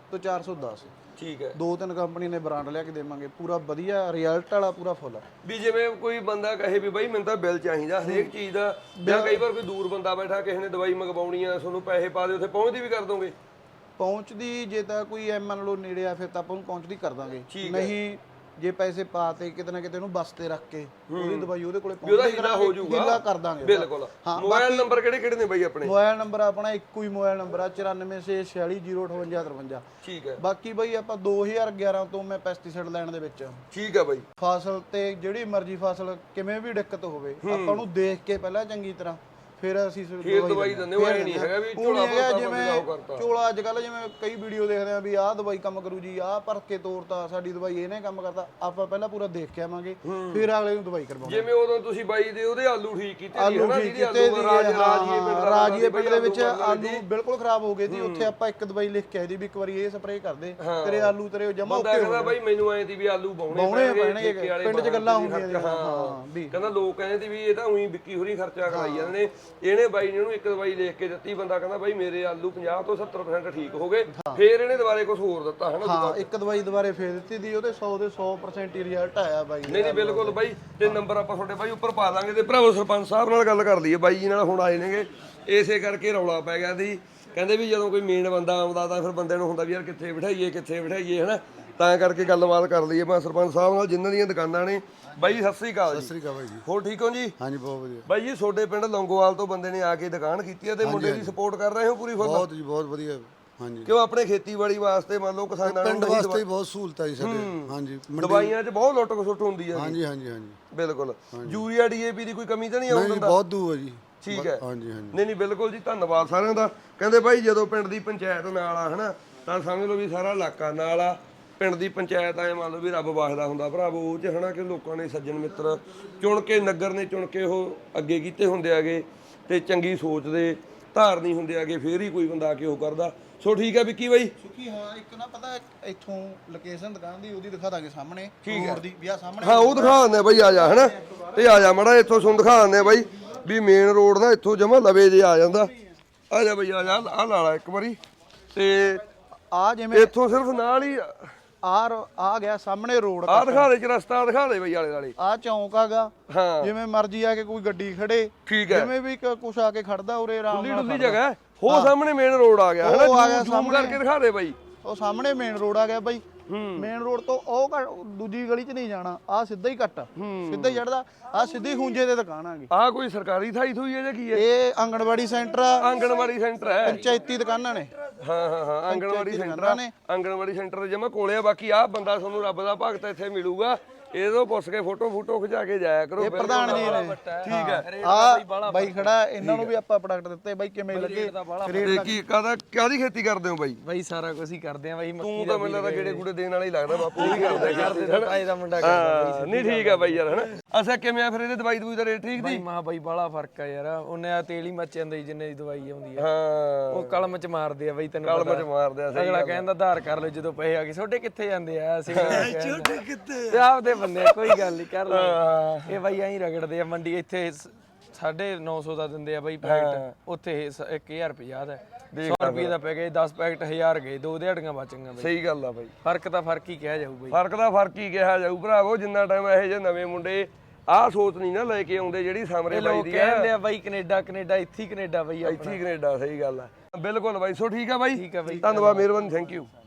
ਤੋਂ ਚਾਰ ਸੌ ਦਸ।
ਠੀਕ ਹੈ।
ਦੋ ਤਿੰਨ ਕੰਪਨੀ ਨੇ ਬ੍ਰਾਂਡ ਲਿਆ ਕੇ ਦੇਵਾਂਗੇ, ਪੂਰਾ ਵਧੀਆ ਰਿਜ਼ਲਟ ਵਾਲਾ ਪੂਰਾ ਫੁੱਲ।
ਵੀ ਜਿਵੇਂ ਕੋਈ ਬੰਦਾ ਕਹੇ ਵੀ ਬਾਈ ਮੈਨੂੰ ਤਾਂ ਬਿੱਲ ਚਾਹੀਦਾ ਹਰੇਕ ਚੀਜ਼ ਦਾ, ਜਾਂ ਕਈ ਵਾਰ ਕੋਈ ਦੂਰ ਬੰਦਾ ਬੈਠਾ ਕਿਸੇ ਨੇ ਦਵਾਈ ਮੰਗਵਾਉਣੀ ਆ, ਤੁਹਾਨੂੰ ਪੈਸੇ ਪਾ ਦਿਓ, ਉੱਥੇ ਪਹੁੰਚਦੀ ਵੀ ਕਰ ਦੋਗੇ?
ਪਹੁੰਚਦੀ ਜੇ ਤਾਂ ਕੋਈ ਐ ਮੰਨ ਲਓ ਨੇੜੇ ਆ ਫਿਰ ਤਾਂ ਆਪਾਂ ਨੂੰ ਪਹੁੰਚਦੀ ਕਰ ਦਾਂਗੇ, ਨਹੀਂ ਜੇ ਪੈਸੇ ਪਾਤੇ ਕਿਤੇ ਨਾ ਕਿਤੇ ਉਹਨੂੰ ਬੱਸ ਤੇ ਰੱਖ ਕੇ ਉਹਦੀ ਦਵਾਈ ਉਹਦੇ ਕੋਲੇ
ਪਹੁੰਚਦੀ ਹੋ ਜਾਊਗਾ,
ਹਿੱਲਾ ਕਰ ਦਾਂਗੇ।
ਬਿਲਕੁਲ। ਮੋਬਾਈਲ ਨੰਬਰ ਕਿਹੜੇ ਕਿਹੜੇ ਨੇ ਬਾਈ ਆਪਣੇ?
ਮੋਬਾਈਲ ਨੰਬਰ ਆਪਣਾ ਇੱਕੋ ਹੀ ਮੋਬਾਈਲ ਨੰਬਰ ਆ ਚੁਰਾਨਵੇਂ ਛੇ ਛਿਆਲੀ ਜ਼ੀਰੋ ਅਠਵੰਜਾ ਤਰਵੰਜਾ।
ਠੀਕ ਹੈ।
ਬਾਕੀ ਬਾਈ ਆਪਾਂ ਦੋ ਹਜ਼ਾਰ ਗਿਆਰਾਂ ਤੋਂ ਮੈਂ ਪੈਸਟੀਸਾਈਡ ਲੈਣ ਦੇ ਵਿੱਚ।
ਠੀਕ ਹੈ ਬਾਈ।
ਫਸਲ ਤੇ ਜਿਹੜੀ ਮਰਜ਼ੀ ਫਸਲ ਕਿਵੇਂ ਵੀ ਦਿੱਕਤ ਹੋਵੇ ਆਪਾਂ ਨੂੰ ਦੇਖ ਕੇ ਪਹਿਲਾਂ ਚੰਗੀ ਤਰ੍ਹਾਂ ਫਿਰ ਅਸੀਂ
ਦਵਾਈ ਦਿੰਦੇ। ਉਹ ਐ ਨਹੀਂ ਹੈਗਾ ਵੀ ਝੋਲਾ ਭਰਤਾ
ਜਿਵੇਂ ਝੋਲਾ ਅੱਜ ਕੱਲ ਜਿਵੇਂ ਕਈ ਵੀਡੀਓ ਦੇਖਦੇ ਆ ਵੀ ਆਹ ਦਵਾਈ ਕੰਮ ਕਰੂ ਜੀ, ਆਹ ਭਰ ਕੇ ਤੋਰਤਾ ਸਾਡੀ ਦਵਾਈ ਇਹਨੇ ਕੰਮ ਕਰਤਾ। ਆਪਾਂ ਪਹਿਲਾਂ ਪੂਰਾ ਦੇਖ ਕੇ ਆਵਾਂਗੇ ਫਿਰ ਅਗਲੇ ਨੂੰ ਦਵਾਈ ਕਰਵਾਵਾਂਗੇ।
ਜਿਵੇਂ ਉਦੋਂ ਤੁਸੀਂ ਬਾਈ ਦੇ ਉਹਦੇ ਆਲੂ ਠੀਕ ਕੀਤੇ ਸੀ
ਆਲੂ
ਹਨਾ,
ਠੀਕ
ਜਿਹਦੀ
ਕੀਤੇ
ਆਲੂ ਰਾਜ ਰਾਜੀਏ ਪਿੰਡ ਦਾ
ਰਾਜੀਏ ਪਿੰਡ ਦੇ ਵਿੱਚ ਆਲੂ ਬਿਲਕੁਲ ਖਰਾਬ ਹੋ ਗਏ ਸੀ। ਉੱਥੇ ਆਪਾਂ ਇੱਕ ਦਵਾਈ ਲਿਖ ਕੇ ਆਈ ਦੀ ਵੀ ਇੱਕ ਵਾਰੀ ਇਹ ਸਪਰੇਅ ਕਰ ਦੇ ਤੇਰੇ ਆਲੂ ਤੇਰੇ ਜਮਾ
ਬੰਦਾ ਕਹਿੰਦਾ ਬਾਈ ਮੈਨੂੰ ਐਂ ਦੀ ਵੀ ਆਲੂ ਬਾਉਣੇ
ਪੈਣਗੇ ਪਿੰਡ 'ਚ ਗੱਲਾਂ ਹੁੰਦੀਆਂ।
ਹਾਂ ਵੀ ਕਹਿੰਦਾ ਲੋਕ ਕਹਿੰਦੇ ਸੀ ਵੀ ਇਹ ਤਾਂ ਉਹੀ ਵਿੱਕੀ ਹੋਰੀ ਖਰਚਾ ਕਰਾਈ ਜਾਂਦੇ ਨੇ। ਇਹਨੇ ਬਾਈ ਨੇ ਉਹਨੂੰ ਇੱਕ ਦਵਾਈ ਲਿਖ ਕੇ ਦਿੱਤੀ, ਬੰਦਾ ਕਹਿੰਦਾ ਬਾਈ ਮੇਰੇ ਆਲੂ ਪੰਜਾਹ ਤੋਂ ਸੱਤਰ ਪਰਸੈਂਟ ਠੀਕ ਹੋ ਗਏ, ਫੇਰ ਇਹਨੇ ਦੁਬਾਰੇ ਕੁਝ ਹੋਰ ਦਿੱਤਾ ਹਨਾ?
ਹਾਂ ਇੱਕ ਦਵਾਈ ਦੁਬਾਰੇ ਫੇਰ ਦਿੱਤੀ ਦੀ, ਉਹਦੇ ਸੌ ਦੇ ਸੌ ਪਰਸੈਂਟ ਹੀ ਰਿਜ਼ਲਟ ਆਇਆ ਬਾਈ।
ਨਹੀਂ ਨਹੀਂ ਬਿਲਕੁਲ ਬਾਈ। ਤੇ ਨੰਬਰ ਆਪਾਂ ਤੁਹਾਡੇ ਬਾਈ ਉੱਪਰ ਪਾ ਦਾਂਗੇ। ਤੇ ਭਰਾਵੋ ਸਰਪੰਚ ਸਾਹਿਬ ਨਾਲ ਗੱਲ ਕਰ ਲਈਏ, ਬਾਈ ਜੀ ਨਾਲ ਹੁਣ ਆਏ ਨੇਗੇ, ਇਸੇ ਕਰਕੇ ਰੌਲਾ ਪੈ ਗਿਆ ਸੀ। ਕਹਿੰਦੇ ਵੀ ਜਦੋਂ ਕੋਈ ਮੇਨ ਬੰਦਾ ਆਉਂਦਾ ਤਾਂ ਫਿਰ ਬੰਦੇ ਨੂੰ ਹੁੰਦਾ ਵੀ ਯਾਰ ਕਿੱਥੇ ਬਿਠਾਈਏ ਕਿੱਥੇ ਬਿਠਾਈਏ ਹਨਾ, ਤਾਂ ਕਰਕੇ ਗੱਲਬਾਤ ਕਰ ਲਈਏ ਮੈਂ ਸਰਪੰਚ ਸਾਹਿਬ ਨਾਲ ਜਿਨ੍ਹਾਂ ਦੀਆਂ ਦੁਕਾਨਾਂ ਨੇ। ਬਾਈ ਜੀ ਸਤਿ ਸ੍ਰੀ ਅਕਾਲ ਜੀ।
ਸਤਿ ਸ੍ਰੀ ਅਕਾਲ ਬਾਈ ਜੀ।
ਹੋਰ ਠੀਕ ਹੋ ਜੀ?
ਹਾਂਜੀ ਬਹੁਤ ਵਧੀਆ
ਬਾਈ ਜੀ ਤੁਹਾਡੇ ਪਿੰਡ ਲੌਂਗੋਵਾਲ ਤੋਂ ਬੰਦੇ ਨੇ ਆ ਕੇ ਦੁਕਾਨ ਕੀਤੀ ਹੈ ਤੇ ਮੁੰਡੇ ਦੀ ਸਪੋਰਟ ਕਰ ਰਹੇ ਹੋ ਪੂਰੀ ਫੁੱਲ?
ਬਹੁਤ ਜੀ ਬਹੁਤ ਵਧੀਆ। ਹਾਂਜੀ
ਕਿਉਂ ਆਪਣੇ ਖੇਤੀਬਾੜੀ ਵਾਸਤੇ ਮੰਨ ਲਓ ਕਿਸਾਨਾਂ ਨੂੰ
ਪਿੰਡ ਵਾਸਤੇ ਬਹੁਤ ਸਹੂਲਤਾਂ ਜੀ ਸਾਡੇ। ਹਾਂਜੀ
ਦਵਾਈਆਂ 'ਚ ਬਹੁਤ ਲੁੱਟ ਖਸੁੱਟ ਹੁੰਦੀ ਹੈ।
ਹਾਂਜੀ ਹਾਂਜੀ ਹਾਂਜੀ
ਬਿਲਕੁਲ। ਯੂਰੀਆ ਡੀਏਪੀ ਦੀ ਕੋਈ ਕਮੀ ਤਾਂ ਨਹੀਂ ਆਉਂਦੀ?
ਬਹੁਤ ਦੂ ਹੈ ਜੀ।
ਠੀਕ ਹੈ।
ਹਾਂਜੀ ਹਾਂਜੀ
ਨਹੀਂ ਨਹੀਂ ਬਿਲਕੁਲ ਜੀ, ਧੰਨਵਾਦ ਸਾਰਿਆਂ ਦਾ। ਕਹਿੰਦੇ ਬਾਈ ਜਦੋਂ ਪਿੰਡ ਦੀ ਪੰਚਾਇਤ ਨਾਲ ਆ ਹਨਾ ਤਾਂ ਸਮਝ ਲਓ ਵੀ ਸਾਰਾ ਇਲਾਕਾ ਨਾਲ ਆ। ਪਿੰਡ ਦੀ ਪੰਚਾਇਤ ਐ ਮੰਨ ਲਓ ਵੀ ਰੱਬ ਵਾਸਦਾ ਹੁੰਦਾ ਭਰਾਵੋ ਉਹ 'ਚ ਹਨਾ, ਕਿ ਲੋਕਾਂ ਨੇ ਸੱਜਣ ਮਿੱਤਰ ਚੁਣ ਕੇ, ਨਗਰ ਨੇ ਚੁਣ ਕੇ ਉਹ ਅੱਗੇ ਕੀਤੇ ਹੁੰਦੇ ਆਗੇ ਤੇ ਚੰਗੀ ਸੋਚ ਦੇ ਧਾਰਨੀ ਹੁੰਦੇ ਆਗੇ, ਫੇਰ ਹੀ ਕੋਈ ਬੰਦਾ ਆ ਕੇ ਉਹ ਕਰਦਾ। ਸੋ ਠੀਕ ਹੈ ਵਿੱਕੀ ਬਾਈ।
ਸੁਖੀ ਹਾਂ ਇੱਕ ਨਾ ਪਤਾ ਇੱਥੋਂ ਲੋਕੇਸ਼ਨ ਦੁਕਾਨ ਦੀ ਉਹਦੀ ਦਿਖਾ ਦਾਂਗੇ ਸਾਹਮਣੇ
ਰੋਡ
ਦੀ ਵੀ ਆ ਸਾਹਮਣੇ।
ਹਾਂ ਉਹ ਦਿਖਾ ਦਿੰਦੇ ਬਾਈ, ਆ ਜਾ ਹਨਾ, ਤੇ ਆ ਜਾ ਮਾੜਾ ਇੱਥੋਂ ਤੁਹਾਨੂੰ ਦਿਖਾ ਦਿੰਦੇ ਬਾਈ ਵੀ ਮੇਨ ਰੋਡ ਦਾ ਇੱਥੋਂ ਜਮਾ ਲਵੇ ਜੇ ਆ ਜਾਂਦਾ। ਆ ਜਾ ਬਾਈ ਆ ਜਾ, ਆ ਲਾ ਲਾ ਇੱਕ ਵਾਰੀ। ਤੇ
ਆ ਜਿਵੇਂ
ਇੱਥੋਂ ਸਿਰਫ ਨਾਲ ਹੀ
ਆ ਆ ਗਿਆ ਸਾਹਮਣੇ ਰੋਡ।
ਆ ਦਿਖਾ ਦੇ ਚ ਰਸਤਾ ਦਿਖਾ ਦੇ ਬਈ ਆਲੇ ਦੁਆਲੇ।
ਆ ਚੌਂਕ ਆਗਾ,
ਹਾਂ
ਜਿਵੇਂ ਮਰਜ਼ੀ ਆ ਕੇ ਕੋਈ ਗੱਡੀ ਖੜੇ,
ਠੀਕ ਹੈ,
ਜਿਵੇਂ ਵੀ ਕੁਛ ਆ ਕੇ ਖੜਦਾ ਉਰੇ ਆਰਾਮ ਨਾਲ।
ਡੁੱਲੀ ਜਗ੍ਹਾ ਹੋ ਸਾਹਮਣੇ ਮੇਨ ਰੋਡ ਆ ਗਿਆ ਹਨਾ,
ਉਹ ਆ ਗਿਆ
ਜ਼ੂਮ ਕਰਕੇ ਦਿਖਾ ਦੇ ਬਾਈ।
ਉਹ ਸਾਹਮਣੇ ਮੇਨ ਰੋਡ ਆ ਗਿਆ ਬਾਈ। ਮੇਨ ਰੋਡ ਤੋਂ ਉਹ ਦੂਜੀ ਗਲੀ 'ਚ ਨਹੀਂ ਜਾਣਾ, ਆ ਸਿੱਧਾ ਹੀ ਕੱਟ ਸਿੱਧਾ ਹੀ ਚੜਦਾ, ਆ ਸਿੱਧੀ ਖੂੰਜੇ ਤੇ ਦੁਕਾਨ ਆ ਗਈ।
ਆ ਕੋਈ ਸਰਕਾਰੀ ਥਾਈ ਥੂਈ ਹੈ ਜਾਂ ਕੀ ਹੈ?
ਇਹ ਆਂਗਣਵਾੜੀ ਸੈਂਟਰ ਆ।
ਆਂਗਣਵਾੜੀ ਸੈਂਟਰ ਹੈ,
ਪੰਚਾਇਤੀ ਦੁਕਾਨਾਂ ਨੇ।
ਹਾਂ ਹਾਂ ਹਾਂ ਆਂਗਣਵਾੜੀ ਸੈਂਟਰ ਆ। ਆਂਗਣਵਾੜੀ ਸੈਂਟਰ ਦੇ ਜਮਾ ਕੋਲੇ ਆ। ਬਾਕੀ ਆ ਬੰਦਾ ਤੁਹਾਨੂੰ ਰੱਬ ਦਾ ਭਗਤ ਇੱਥੇ ਮਿਲੂਗਾ, ਇਹਦੋਂ ਪੁੱਛ ਕੇ ਫੋਟੋ ਫੋਟੋ ਖਿਚਾ ਕੇ ਜਾਇਆ ਕਰੋ।
ਇਹ ਪ੍ਰਧਾਨ ਜੀ ਨੇ।
ਠੀਕ ਹੈ।
ਆ ਬਾਈ ਖੜਾ, ਇਹਨਾਂ ਨੂੰ ਵੀ ਆਪਾਂ ਪ੍ਰੋਡਕਟ ਦਿੱਤੇ ਬਾਈ, ਕਿਵੇਂ ਲੱਗੇ?
ਤੇ ਕੀ ਕਾਹਦਾ ਕਾਹਦੀ ਖੇਤੀ ਕਰਦੇ ਹੋ ਬਾਈ?
ਬਾਈ ਸਾਰਾ ਕੁਝ ਹੀ ਕਰਦੇ ਆ ਬਾਈ।
ਤੂੰ ਤਾਂ ਮੈਨੂੰ ਲੱਗਦਾ ਗੇੜੇ ਗੂੜੇ ਦੇਣ ਵਾਲਾ ਹੀ ਲੱਗਦਾ, ਬਾਪੂ ਹੀ ਕਰਦਾ
ਕਰਦੇ ਤਾਏ ਦਾ ਮੁੰਡਾ ਕਰਦਾ।
ਨਹੀਂ ਠੀਕ ਹੈ ਬਾਈ ਯਾਰ ਹਨਾ। ਅੱਛਾ ਕਿਵੇਂ ਆ ਫਿਰ ਇਹਦੇ ਦਵਾਈ ਦਵਾਈ ਦਾ ਰੇਟ ਠੀਕ ਦੀ?
ਮਾ ਬਾਈ ਬਾਲਾ ਫਰਕ ਆ ਯਾਰ, ਉਹਨੇ ਆ ਤੇਲ ਹੀ ਮੱਚ ਜਾਂਦਾ ਜਿੰਨੇ ਦੀ ਦਵਾਈ ਆਉਂਦੀ ਆ।
ਹਾਂ
ਉਹ ਕਲਮ ਚ ਮਾਰਦੇ ਆ ਬਾਈ, ਤੈਨੂੰ
ਕਲਮ ਚ ਮਾਰਦੇ ਆ।
ਅਗਲਾ ਕਹਿੰਦਾ ਆਧਾਰ ਕਰ ਲਓ ਜਦੋਂ ਪੈਸੇ ਆ ਗਏ। ਛੋਟੇ ਕਿੱਥੇ ਜਾਂਦੇ ਆ? ਅਸੀਂ ਛੋਟੇ ਕਿੱਥੇ ਤੇ ਆਪਦੇ ਬੰਦੇ ਆ, ਕੋਈ ਗੱਲ ਨਹੀਂ ਕਰ ਲੈ। ਇਹ ਬਾਈ ਐਂ ਰਗੜਦੇ ਆ ਮੰਡੀ। ਇੱਥੇ ਸਾਢੇ ਨੌ ਸੌ ਦਾ ਦਿੰਦੇ ਆ ਬਾਈ ਪੈਕਟ, ਉੱਥੇ ਇੱਕ ਹਜ਼ਾਰ ਪੰਜਾਹ ਦਾ। ਸੌ ਰੁਪਏ ਦਾ ਪੈ ਗਏ, ਦਸ ਪੈਕਟ ਹਜ਼ਾਰ ਗਏ, ਦੋ ਦਿਹਾੜੀਆਂ ਬਚ ਗਈਆਂ ਬਾਈ।
ਸਹੀ ਗੱਲ ਆ ਬਾਈ,
ਫਰਕ ਤਾਂ ਫਰਕ ਹੀ ਕਿਹਾ ਜਾਊ ਬਾਈ।
ਫਰਕ ਦਾ ਫਰਕ ਹੀ ਕਿਹਾ ਜਾਊ ਭਰਾਵੋ। ਜਿੰਨਾ ਟਾਈਮ ਇਹੋ ਜਿਹੇ ਨਵੇਂ ਮੁੰਡੇ ਆਹ ਸੋਚ ਨਹੀਂ ਨਾ ਲੈ ਕੇ ਆਉਂਦੇ ਜਿਹੜੀ ਸਾਹਮਣੇ ਬਾਈ ਦੀ ਆ।
ਕਹਿੰਦੇ ਆ ਬਾਈ ਕੈਨੇਡਾ ਕੈਨੇਡਾ ਇੱਥੇ ਹੀ ਕੈਨੇਡਾ ਬਾਈ,
ਇੱਥੇ ਹੀ ਕੈਨੇਡਾ। ਸਹੀ ਗੱਲ ਆ ਬਿਲਕੁਲ ਬਾਈ। ਸੋ ਠੀਕ ਆ ਬਾਈ,
ਠੀਕ ਆ ਬਾਈ,
ਧੰਨਵਾਦ, ਮਿਹਰਬਾਨੀ, ਥੈਂਕ ਯੂ।